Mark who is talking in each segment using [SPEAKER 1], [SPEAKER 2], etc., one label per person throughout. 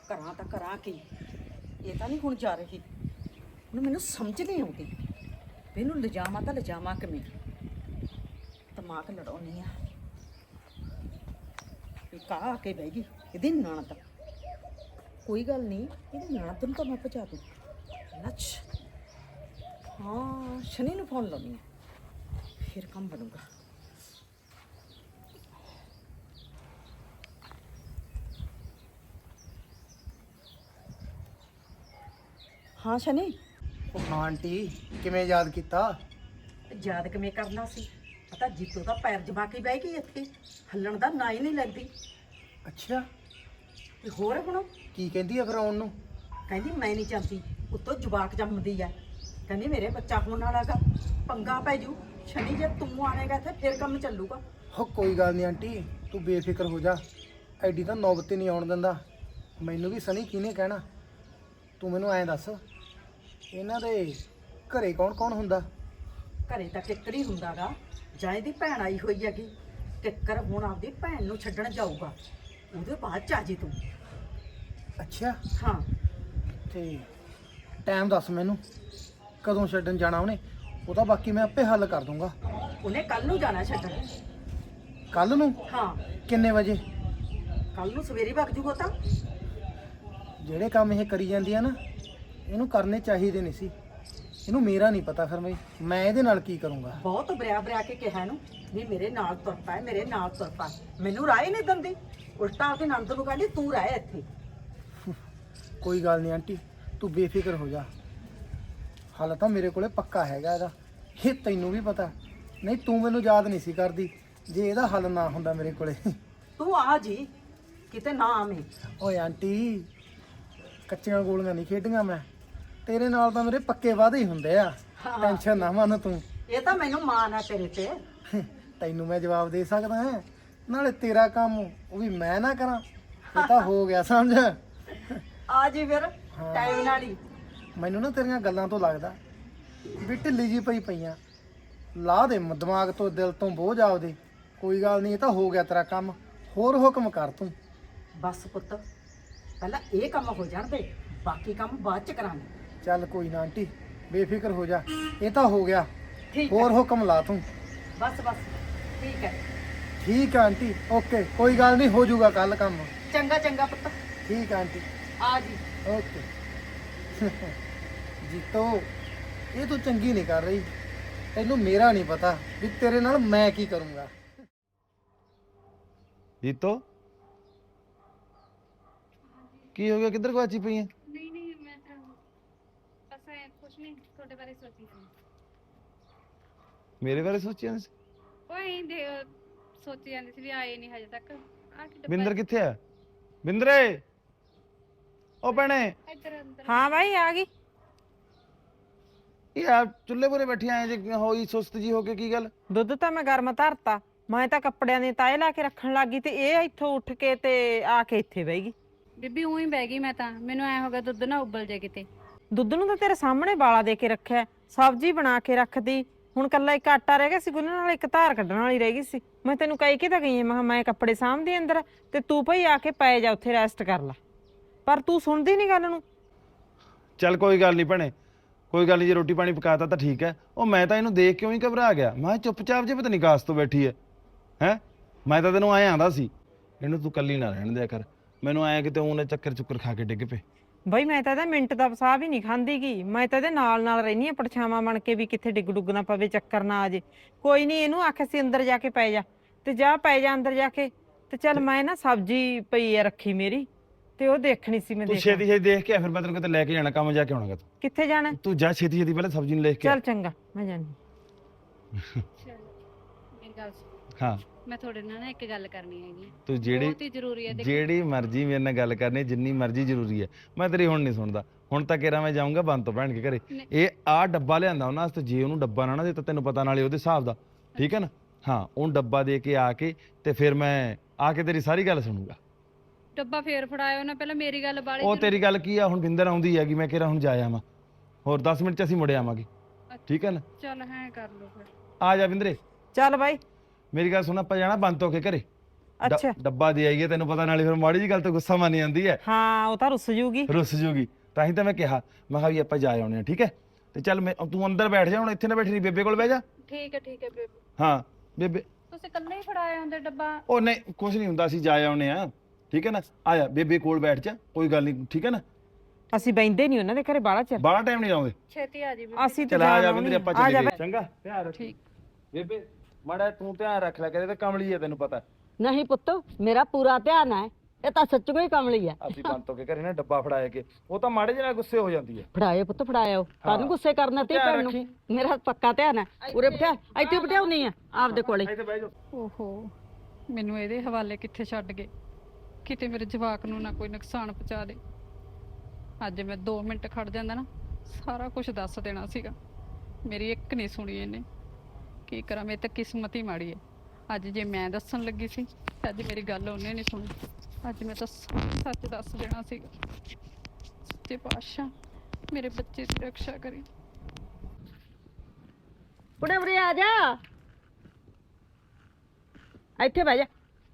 [SPEAKER 1] ਕਰਾਂ ਤਾਂ ਕਰਾਂ ਕੀ। ਇਹ ਤਾਂ ਨਹੀਂ ਹੁਣ ਜਾ ਰਹੀ। ਹੁਣ ਮੈਨੂੰ ਸਮਝ ਨਹੀਂ ਆਉਂਦੀ ਵੀ ਇਹਨੂੰ ਲਿਜਾਵਾਂ ਤਾਂ ਲਿਜਾਵਾਂ ਕਿਵੇਂ। ਦਿਮਾਗ ਲੜਾਉਣੀ ਆ। ਇੱਕ ਆ ਕੇ ਬਹਿ ਗਈ ਇਹਦੀ ਨਣਦ। ਕੋਈ ਗੱਲ ਨਹੀਂ, ਇਹਦੀ ਨਣਦ ਨੂੰ ਤਾਂ ਮੈਂ ਭਜਾ ਦੂੰ। ਨੱਚ। ਹਾਂ, ਸ਼ਨੀ ਨੂੰ ਫੋਨ ਲਾਉਣੀ ਆ, ਫਿਰ ਕੰਮ ਬਣੂਗਾ। ਹਾਂ ਸ਼ਨੀ।
[SPEAKER 2] ਹਾਂ ਆਂਟੀ, ਕਿਵੇਂ ਯਾਦ ਕੀਤਾ?
[SPEAKER 1] ਯਾਦ ਕਿਵੇਂ ਕਰਨਾ ਸੀ? ਪਤਾ ਜੀਤੋ ਦਾ ਪੈਰ ਜਮਾ ਕੇ ਬਹਿ ਗਈ ਇੱਥੇ, ਹੱਲਣ ਦਾ ਨਾਂ ਹੀ ਨਹੀਂ ਲੱਗਦੀ।
[SPEAKER 2] ਅੱਛਾ,
[SPEAKER 1] ਤੇ ਹੋਰ ਹੁਣ
[SPEAKER 2] ਕੀ ਕਹਿੰਦੀ ਆ ਫਿਰ ਆਉਣ ਨੂੰ?
[SPEAKER 1] ਕਹਿੰਦੀ ਮੈਂ ਨਹੀਂ ਚਾਹੁੰਦੀ, ਉੱਤੋਂ ਜਵਾਕ ਜੰਮਦੀ ਆ। ਕਹਿੰਦੀ ਮੇਰੇ ਬੱਚਾ ਹੋਣ ਵਾਲਾ ਗਾ, ਪੰਗਾ ਪੈ ਜੂ। ਸ਼ਨੀ ਜੇ ਤੂੰ ਆਵੇਂਗਾ ਤੇ ਫਿਰ ਕੰਮ ਚੱਲੂਗਾ।
[SPEAKER 2] ਹੋ ਕੋਈ ਗੱਲ ਨਹੀਂ ਆਂਟੀ, ਤੂੰ ਬੇਫਿਕਰ ਹੋ ਜਾ। ਐਡੀ ਤਾਂ ਨੌਬਤ ਹੀ ਨਹੀਂ ਆਉਣ ਦਿੰਦਾ। ਮੈਨੂੰ ਵੀ ਸਨੀ ਕਿਹਨੇ ਕਹਿਣਾ। ਤੂੰ ਮੈਨੂੰ ਐਂ ਦੱਸ, ਇਹਨਾਂ ਦੇ ਘਰੇ ਕੌਣ ਕੌਣ ਹੁੰਦਾ?
[SPEAKER 1] ਘਰੇ ਤਾਂ ਕਿੱਕਰ ਹੀ ਹੁੰਦਾ ਗਾ, ਜਾਂ ਇਹਦੀ ਭੈਣ ਆਈ ਹੋਈ ਹੈਗੀ। ਕਿੱਕਰ ਹੁਣ ਆਪਦੀ ਭੈਣ ਨੂੰ ਛੱਡਣ ਜਾਊਗਾ, ਉਹਦੇ ਬਾਅਦ ਚ ਆ ਜੀ ਤੂੰ।
[SPEAKER 2] ਅੱਛਾ,
[SPEAKER 1] ਹਾਂ।
[SPEAKER 2] ਤੇ ਟਾਈਮ ਦੱਸ ਮੈਨੂੰ, ਕਦੋਂ ਛੱਡਣ ਜਾਣਾ ਉਹਨੇ? ਉਹ ਤਾਂ ਬਾਕੀ ਮੈਂ ਆਪੇ ਹੱਲ ਕਰ ਦੂੰਗਾ।
[SPEAKER 1] ਉਹਨੇ ਕੱਲ ਨੂੰ ਜਾਣਾ ਛੱਡਣ।
[SPEAKER 2] ਕੱਲ ਨੂੰ?
[SPEAKER 1] ਹਾਂ,
[SPEAKER 2] ਕਿੰਨੇ ਵਜੇ?
[SPEAKER 1] ਕੱਲ ਨੂੰ ਸਵੇਰੇ ਵਗ ਜੂਗਾ। ਤਾਂ
[SPEAKER 2] ਜਿਹੜੇ ਕੰਮ ਇਹ ਕਰੀ ਜਾਂਦੀ ਆ ਨਾ, ਇਹਨੂੰ ਕਰਨੇ ਚਾਹੀਦੇ ਨਹੀਂ ਸੀ। ਇਹਨੂੰ ਮੇਰਾ ਨਹੀਂ ਪਤਾ, ਫਿਰ ਮੈਂ ਇਹਦੇ ਨਾਲ ਕੀ ਕਰੂੰਗਾ।
[SPEAKER 1] ਬਹੁਤ ਬਰਿਆ ਬਰਿਆ ਕੇ ਕਿਹਾ ਇਹਨੂੰ ਵੀ ਮੇਰੇ ਨਾਲ ਤੁਰ ਪੈ, ਮੇਰੇ ਨਾਲ ਤੁਰ ਪੈ। ਮੈਨੂੰ ਰਾਹ ਹੀ ਨਹੀਂ ਦਿੰਦੀ, ਉਲਟਾ ਆਪਦੀ ਨਣਦ ਨੂੰ ਕਹਿੰਦੀ ਤੂੰ ਰਹਿ ਇੱਥੇ।
[SPEAKER 2] ਕੋਈ ਗੱਲ ਨਹੀਂ ਆਂਟੀ, ਤੂੰ ਬੇਫਿਕਰ ਹੋ ਜਾ। ਹੱਲ ਤਾਂ ਮੇਰੇ ਕੋਲੇ ਪੱਕਾ ਹੈਗਾ ਇਹਦਾ, ਇਹ ਤੈਨੂੰ ਵੀ ਪਤਾ। ਨਹੀਂ ਤੂੰ ਮੈਨੂੰ ਯਾਦ ਨਹੀਂ ਸੀ ਕਰਦੀ ਜੇ ਇਹਦਾ ਹੱਲ ਨਾ ਹੁੰਦਾ ਮੇਰੇ ਕੋਲੇ।
[SPEAKER 1] ਤੂੰ ਆ ਜੀ, ਕਿਤੇ ਨਾ ਆਵੇਂ।
[SPEAKER 2] ਓਏ ਆਂਟੀ, ਕੱਚੀਆਂ ਗੋਲੀਆਂ ਨਹੀਂ ਖੇਡੀਆਂ ਮੈਂ। ਤੇਰੇ ਨਾਲ ਤਾਂ ਮੇਰੇ ਪੱਕੇ ਵਾਅਦੇ ਹੀ ਹੁੰਦੇ ਆ।
[SPEAKER 1] ਹਾਂ।
[SPEAKER 2] ਟੈਨਸ਼ਨ ਨਾ ਮੰਨ ਤੂੰ।
[SPEAKER 1] ਇਹ ਤਾਂ ਮੈਨੂੰ ਮਾਣ ਆ ਤੇਰੇ ਤੇ।
[SPEAKER 2] ਤੈਨੂੰ ਮੈਂ ਜਵਾਬ ਦੇ ਸਕਦਾ ਹਾਂ, ਨਾਲੇ ਤੇਰਾ ਕੰਮ ਉਹ ਵੀ ਮੈਂ ਨਾ ਕਰਾਂ। ਇਹ ਤਾਂ ਹੋ ਗਿਆ ਸਮਝ।
[SPEAKER 1] ਆ ਜੀ ਫਿਰ ਟਾਈਮ ਨਾਲ ਹੀ।
[SPEAKER 2] ਮੈਨੂੰ ਨਾ ਤੇਰੀਆਂ ਗੱਲਾਂ ਤੋਂ ਲੱਗਦਾ ਵੀ ਢਿੱਲੀ ਜੀ ਪਈਆਂ। ਲਾ ਦੇ ਦਿਮਾਗ ਤੋਂ, ਦਿਲ ਤੋਂ ਬੋਝ ਆਪਦੇ। ਕੋਈ ਗੱਲ ਨਹੀਂ, ਇਹ ਤਾਂ ਹੋ ਗਿਆ ਤੇਰਾ ਕੰਮ। ਹੋਰ ਹੁਕਮ ਕਰ ਤੂੰ।
[SPEAKER 1] ਬਸ ਪੁੱਤ, ਪਹਿਲਾਂ ਇਹ ਕੰਮ ਹੋ ਜਾਣ ਦੇ, ਬਾਕੀ ਕੰਮ ਬਾਅਦ ਚ ਕਰਾਂਗੇ।
[SPEAKER 2] ਚੱਲ ਕੋਈ ਨਾ ਆਂਟੀ, ਬੇਫਿਕਰ ਹੋ ਜਾ। ਇਹ ਤਾਂ ਹੋ ਗਿਆ,
[SPEAKER 1] ਠੀਕ
[SPEAKER 2] ਹੋਰ
[SPEAKER 1] ਹੈ।
[SPEAKER 2] ਹੁਕਮ ਲਾ ਤੂੰ।
[SPEAKER 1] ਬਸ ਬਸ, ਠੀਕ ਹੈ।
[SPEAKER 2] ਠੀਕ ਆ ਆਂਟੀ, ਓਕੇ, ਕੋਈ ਗੱਲ ਨਹੀਂ, ਹੋ ਜਾਊਗਾ ਕੱਲ ਕੰਮ।
[SPEAKER 1] ਚੰਗਾ ਚੰਗਾ ਪੁੱਤ,
[SPEAKER 2] ਠੀਕ ਆ ਆਂਟੀ,
[SPEAKER 1] ਆ ਜੀ।
[SPEAKER 2] ਓਕੇ। ਜੀਤੋ, ਇਹ ਤੂੰ ਚੰਗੀ ਨਹੀਂ ਕਰ ਰਹੀ। ਤੈਨੂੰ ਮੇਰਾ ਨਹੀਂ ਪਤਾ ਵੀ ਤੇਰੇ ਨਾਲ ਮੈਂ ਕੀ ਕਰੂੰਗਾ।
[SPEAKER 3] ਜੀਤੋ, ਕੀ ਹੋ ਗਿਆ? ਕਿੱਧਰ ਗਵਾਚੀ ਪਈ ਹੈ?
[SPEAKER 4] ਨਹੀਂ ਨਹੀਂ, ਮੈਂ ਤਾਂ ਬਸ ਐ ਕੁਛ ਨਹੀਂ, ਤੁਹਾਡੇ ਬਾਰੇ ਸੋਚੀ ਸੀ।
[SPEAKER 3] ਮੇਰੇ ਬਾਰੇ ਸੋਚਿਆ ਸੀ?
[SPEAKER 4] ਕੋਈ ਦੇ ਸੋਚੀ ਜਾਂਦੀ ਸੀ ਵੀ ਆਏ ਨਹੀਂ ਹਜੇ ਤੱਕ। ਆ ਕਿ
[SPEAKER 3] ਬਿੰਦਰ ਕਿੱਥੇ ਆ? ਬਿੰਦਰੇ, ਉਹ ਭੈਣੇ।
[SPEAKER 4] ਇੱਧਰ ਅੰਦਰ।
[SPEAKER 5] ਹਾਂ ਬਾਈ ਆ ਗਈ।
[SPEAKER 3] ਇਹ ਆ ਚੁੱਲ੍ਹੇ ਪੂਰੇ ਬੈਠੀ ਆਏ ਜੇ ਹੋਈ ਸੁਸਤ ਜੀ ਹੋ ਕੇ, ਕੀ ਗੱਲ?
[SPEAKER 5] ਦੁੱਧ ਤਾਂ ਮੈਂ ਗਰਮ ਧਰਤਾ, ਮੈਂ ਤਾਂ ਕੱਪੜਿਆਂ ਦੇ ਤਾਏ ਲਾ ਕੇ ਰੱਖਣ ਲੱਗੀ ਤੇ ਇਹ ਇੱਥੋਂ ਉੱਠ ਕੇ ਤੇ ਆ ਕੇ ਇੱਥੇ ਬਹਿ ਗਈ।
[SPEAKER 4] ਬੀਬੀ ਉਹੀ ਬਹਿ ਗਈ, ਮੈਂ ਤਾਂ ਮੈਨੂੰ ਐ ਹੋ ਗਿਆ ਦੁੱਧ ਨਾ ਉਬਲ ਜੇ ਕਿਤੇ।
[SPEAKER 5] ਦੁੱਧ ਨੂੰ ਤਾਂ ਤੇਰੇ ਸਾਹਮਣੇ ਬਾਲਾ ਦੇ ਕੇ ਰੱਖਿਆ, ਸਬਜ਼ੀ ਬਣਾ ਕੇ ਰੱਖਦੀ। ਹੁਣ ਕੱਲਾ ਇੱਕ ਆਟਾ ਰਹਿ ਗਿਆ ਸੀ ਗੁੰਨਣ ਨਾਲ, ਇੱਕ ਧਾਰ ਕੱਢਣ ਵਾਲੀ ਰਹਿ ਗਈ ਸੀ। ਮੈਂ ਤੈਨੂੰ ਕਹਿ ਕੇ ਤਾਂ ਗਈ ਮੈਂ ਕਿਹਾ ਮੈਂ ਕੱਪੜੇ ਸਾਂਭਦੀ ਅੰਦਰ ਤੇ ਤੂੰ ਭਈ ਆ ਕੇ ਪੈ ਜਾ ਉੱਥੇ, ਰੈਸਟ ਕਰ ਲੈ। ਪਰ ਤੂੰ ਸੁਣਦੀ ਨਹੀਂ ਗੱਲ ਨੂੰ।
[SPEAKER 3] ਚੱਲ ਕੋਈ ਗੱਲ ਨਹੀਂ ਭੈਣੇ, ਕੋਈ ਗੱਲ ਨਹੀਂ। ਜੇ ਰੋਟੀ ਪਾਣੀ ਪਕਾਤਾ ਤਾਂ ਠੀਕ ਹੈ। ਉਹ ਮੈਂ ਤਾਂ ਇਹਨੂੰ ਦੇਖ ਕਿਉਂ ਹੀ ਘਬਰਾ ਗਿਆ। ਮੈਂ ਚੁੱਪਚਾਪ ਜੇ ਪਤਾ ਨਹੀਂ ਕਾਸ ਤੋਂ ਬੈਠੀ ਹੈ। ਮੈਂ ਤਾਂ ਤੈਨੂੰ ਆਏ ਆਂਦਾ ਸੀ ਇਹਨੂੰ ਤੂੰ ਕੱਲੀ ਨਾ ਰਹਿਣ ਦਿਆ ਕਰ। ਮੈਨੂੰ ਆਇਆ ਕਿਤੇ ਉਹਨੇ ਚੱਕਰ ਚੁੱਕਰ ਖਾ ਕੇ ਡਿੱਗ ਪਏ।
[SPEAKER 5] ਬਈ ਮੈਂ ਤਾਂ ਇਹਦਾ ਮਿੰਟ ਦਾ ਵਸਾ ਵੀ ਨਹੀਂ ਖਾਂਦੀ ਗੀ। ਮੈਂ ਤਾਂ ਇਹਦੇ ਨਾਲ ਨਾਲ ਰਹਿਨੀ ਆ ਪਰਛਾਵਾਂ ਬਣ ਕੇ, ਵੀ ਕਿੱਥੇ ਡਿੱਗ ਡੁੱਗ ਨਾ ਪਵੇ, ਚੱਕਰ ਨਾ ਆ ਜੇ। ਕੋਈ ਨਹੀਂ, ਇਹਨੂੰ ਆਖਿਆ ਸੀ ਅੰਦਰ ਜਾ ਕੇ ਪੈ ਜਾ, ਤੇ ਜਾ ਪੈ ਜਾ ਅੰਦਰ ਜਾ ਕੇ। ਤੇ ਚੱਲ ਮੈਂ ਨਾ ਸਬਜ਼ੀ ਪਈ ਆ ਰੱਖੀ ਮੇਰੀ, ਤੇ ਉਹ ਦੇਖਣੀ ਸੀ ਮੈਂ।
[SPEAKER 3] ਤੂੰ ਛੇਤੀ ਛੇਤੀ ਦੇਖ ਕੇ ਆ, ਫਿਰ ਮੈਂ ਤੈਨੂੰ ਕਿਤੇ ਲੈ ਕੇ ਜਾਣਾ, ਕੰਮ ਜਾ ਕੇ ਆਉਣਾਗਾ।
[SPEAKER 5] ਕਿੱਥੇ ਜਾਣਾ?
[SPEAKER 3] ਤੂੰ ਜਾ ਛੇਤੀ ਛੇਤੀ ਪਹਿਲਾਂ ਸਬਜ਼ੀ ਨੂੰ ਲੈ ਕੇ ਆ।
[SPEAKER 5] ਚੱਲ ਚੰਗਾ, ਮੈਂ ਜਾਣੀ।
[SPEAKER 4] ਚਲ ਮੇਰੀ ਗੱਲ ਸੁਣ,
[SPEAKER 3] ਹਾਂ,
[SPEAKER 4] ਮੈਂ ਤੁਹਾਡੇ ਨਾਲ ਨਾ ਇੱਕ ਗੱਲ ਕਰਨੀ ਹੈਗੀ।
[SPEAKER 3] ਤੂੰ
[SPEAKER 4] ਬਹੁਤ ਹੀ ਜ਼ਰੂਰੀ ਹੈ। ਦੇਖੋ
[SPEAKER 3] ਜਿਹੜੀ ਮਰਜ਼ੀ ਮੇਰੇ ਨਾਲ ਗੱਲ ਕਰਨੀ, ਜਿੰਨੀ ਮਰਜ਼ੀ ਜ਼ਰੂਰੀ ਹੈ। ਮੈਂ ਤੇਰੀ ਹੁਣ ਨਹੀਂ ਸੁਣਦਾ। ਹੁਣ ਤਾਂ ਕਿਹੜਾ ਮੈਂ ਜਾਊਂਗਾ ਬੰਦ ਤੋਂ ਭੈਣ ਕੇ ਘਰੇ। ਇਹ ਆ ਡੱਬਾ ਲਿਆਂਦਾ ਉਹਨਾਂ ਵਾਸਤੇ, ਜੇ ਉਹਨੂੰ ਡੱਬਾ ਨਾ ਦੇ ਤਾਂ ਤੈਨੂੰ ਪਤਾ ਨਾਲੇ ਉਹਦੇ ਹਿਸਾਬ ਦਾ, ਠੀਕ ਹੈ ਨਾ? ਹਾਂ, ਉਹਨੂੰ ਡੱਬਾ ਦੇ ਕੇ ਆ ਕੇ ਤੇ ਫਿਰ ਮੈਂ ਆ ਕੇ ਤੇਰੀ ਸਾਰੀ ਗੱਲ ਸੁਣੂਗਾ।
[SPEAKER 4] ਡੱਬਾ ਫੇਰ ਫੜਾਇਓ ਨਾ, ਪਹਿਲਾਂ ਮੇਰੀ ਗੱਲ ਬਾਲੀ।
[SPEAKER 3] ਉਹ ਤੇਰੀ ਗੱਲ ਕੀ ਆ? ਹੁਣ ਬਿੰਦਰ ਆਉਂਦੀ ਹੈਗੀ, ਮੈਂ ਕਿਹੜਾ ਹੁਣ ਜਾ ਆਵਾਂ। ਹੋਰ 10 ਮਿੰਟ ਚ ਅਸੀਂ ਮੁੜ ਆਵਾਂਗੇ, ਠੀਕ ਹੈ ਨਾ?
[SPEAKER 4] ਚੱਲ ਹੈ ਕਰ ਲਓ ਫਿਰ।
[SPEAKER 3] ਆ ਜਾ ਬਿੰਦਰੇ।
[SPEAKER 5] ਚੱਲ ਬਾਈ।
[SPEAKER 3] ਮੇਰੀ ਗੱਲ ਸੁਣ, ਆਪਾਂ ਜਾਣਾ ਬੰਦ ਤੋਂ ਕੇ ਘਰੇ।
[SPEAKER 5] ਅੱਛਾ
[SPEAKER 3] ਡੱਬਾ ਦੇ ਆਈਏ, ਤੈਨੂੰ ਪਤਾ ਨਾਲੇ ਫਿਰ ਮਾੜੀ ਜੀ ਗੱਲ ਤੇ ਗੁੱਸਾ ਮੰਨ ਜਾਂਦੀ ਹੈ,
[SPEAKER 5] ਹਾਂ ਉਹ ਤਾਂ ਰੁੱਸ ਜੂਗੀ।
[SPEAKER 3] ਰੁੱਸ ਜੂਗੀ। ਤਾਂ ਹੀ ਤਾਂ ਮੈਂ ਕਿਹਾ, ਮੈਂ ਕਿਹਾ ਵੀ ਆਪਾਂ ਜਾ ਆਉਣੇ ਆ, ਠੀਕ ਹੈ। ਤੇ ਚੱਲ ਮੈਂ ਤੂੰ ਅੰਦਰ ਬੈਠ ਜਾ, ਹੁਣ ਇੱਥੇ ਨਾ ਬੈਠੀ ਰਹੀ, ਬੇਬੇ ਕੋਲ ਬਹਿ ਜਾ।
[SPEAKER 4] ਠੀਕ ਹੈ ਬੇਬੇ।
[SPEAKER 3] ਹਾਂ ਬੇਬੇ,
[SPEAKER 4] ਤੁਸੀਂ ਇਕੱਲੇ ਹੀ ਫੜਾਏ ਹੁੰਦੇ ਡੱਬਾ?
[SPEAKER 3] ਉਹ ਨਹੀਂ ਕੁਛ ਨਹੀਂ ਹੁੰਦਾ, ਅਸੀਂ ਜਾ ਆਉਣੇ ਆ, ਠੀਕ ਹੈ ਨਾ। ਆ ਜਾ ਬੇਬੇ ਕੋਲ ਬੈਠ ਜਾ, ਕੋਈ ਗੱਲ ਨਹੀਂ, ਠੀਕ ਹੈ ਨਾ।
[SPEAKER 5] ਅਸੀਂ ਬੈਂਦੇ ਨਹੀਂ ਉਹਨਾਂ ਦੇ ਘਰੇ ਬਾਹਲਾ ਚਿਰ,
[SPEAKER 3] ਬਾਹਲਾ ਟਾਈਮ ਨਹੀਂ ਲਾਉਂਦੇ।
[SPEAKER 4] ਛੇਤੀ ਆ ਜੀ ਬੇਬੇ।
[SPEAKER 5] ਅਸੀਂ ਤਾਂ
[SPEAKER 3] ਚਲ ਆ ਜਾ
[SPEAKER 5] ਜਾਣਾ
[SPEAKER 3] ਬਿੰਦਰੇ, ਆਪਾਂ
[SPEAKER 5] ਆ ਜਾ
[SPEAKER 3] ਚੱਲੀਏ, ਚੰਗਾ। ਧਿਆਨ ਰੱਖ
[SPEAKER 4] ਠੀਕ।
[SPEAKER 3] ਬੇਬੇ ਮਾੜਾ ਤੂੰ ਧਿਆਨ ਰੱਖ ਲੈ, ਕਦੇ ਤਾਂ ਕਮਲੀ ਹੈ, ਤੈਨੂੰ ਪਤਾ।
[SPEAKER 6] ਨਹੀਂ ਪੁੱਤ, ਮੇਰਾ ਪੂਰਾ ਧਿਆਨ ਹੈ। ਇਹ ਤਾਂ ਸੱਚੋ ਹੀ ਕਮਲੀ ਹੈ।
[SPEAKER 3] ਅਸੀਂ ਬੰਤੋ ਕੇ ਘਰੇ ਨਾ ਡੱਬਾ ਫੜਾਇਆ ਕੇ, ਉਹ ਤਾਂ ਮਾੜੇ ਜਿਹੇ ਨਾਲ ਗੁੱਸੇ ਹੋ ਜਾਂਦੀ ਹੈ।
[SPEAKER 6] ਫੜਾਏ ਪੁੱਤ ਫੜਾਇਓ, ਕਾਹਨੂੰ ਗੁੱਸੇ ਕਰਨਾ ਤੇ
[SPEAKER 3] ਧਿਆਨ
[SPEAKER 6] ਭੈਣ ਨੂੰ।
[SPEAKER 3] ਰੱਖੀ।
[SPEAKER 6] ਮੇਰਾ ਪੱਕਾ ਧਿਆਨ ਹੈ। ਉਰੇ ਬਿਠਾ, ਇੱਥੇ ਬਿਠਾਉਣੀ ਆ ਆਪਦੇ ਕੋਲੇ।
[SPEAKER 3] ਇੱਥੇ ਬਹਿ ਜਾ।
[SPEAKER 4] ਓਹੋ, ਮੈਨੂੰ ਇਹਦੇ ਹਵਾਲੇ ਕਿੱਥੇ ਛੱਡ ਗਏ, ਕਿਤੇ ਮੇਰੇ ਜਵਾਕ ਨੂੰ ਨਾ ਕੋਈ ਨੁਕਸਾਨ ਪਹੁੰਚਾ ਦੇ। ਅੱਜ ਮੈਂ 2 ਮਿੰਟ ਖੜ ਜਾਂਦਾ ਨਾ, ਸਾਰਾ ਕੁਝ ਦੱਸ ਦੇਣਾ ਸੀਗਾ। ਮੇਰੀ ਇੱਕ ਨਹੀਂ ਸੁਣੀ ਇਹਨੇ। ਕੀ ਕਰਾਂ, ਮੇਰੀ ਤਾਂ ਕਿਸਮਤ ਹੀ ਮਾੜੀ ਹੈ। ਅੱਜ ਜੇ ਮੈਂ ਦੱਸਣ ਲੱਗੀ ਸੀ ਤੇ ਅੱਜ ਮੇਰੀ ਗੱਲ ਉਹਨੇ ਨਹੀਂ ਸੁਣੀ। ਅੱਜ ਮੈਂ ਤਾਂ ਸੱਚ ਦੱਸ ਦੇਣਾ ਸੀਗਾ। ਸੱਚੇ ਪਾਤਸ਼ਾਹ ਮੇਰੇ ਬੱਚੇ ਦੀ ਰੱਖਿਆ ਕਰੀ।
[SPEAKER 6] ਉਰੇ ਉਰੇ ਆ ਜਾ, ਇੱਥੇ ਬਹਿ ਜਾ।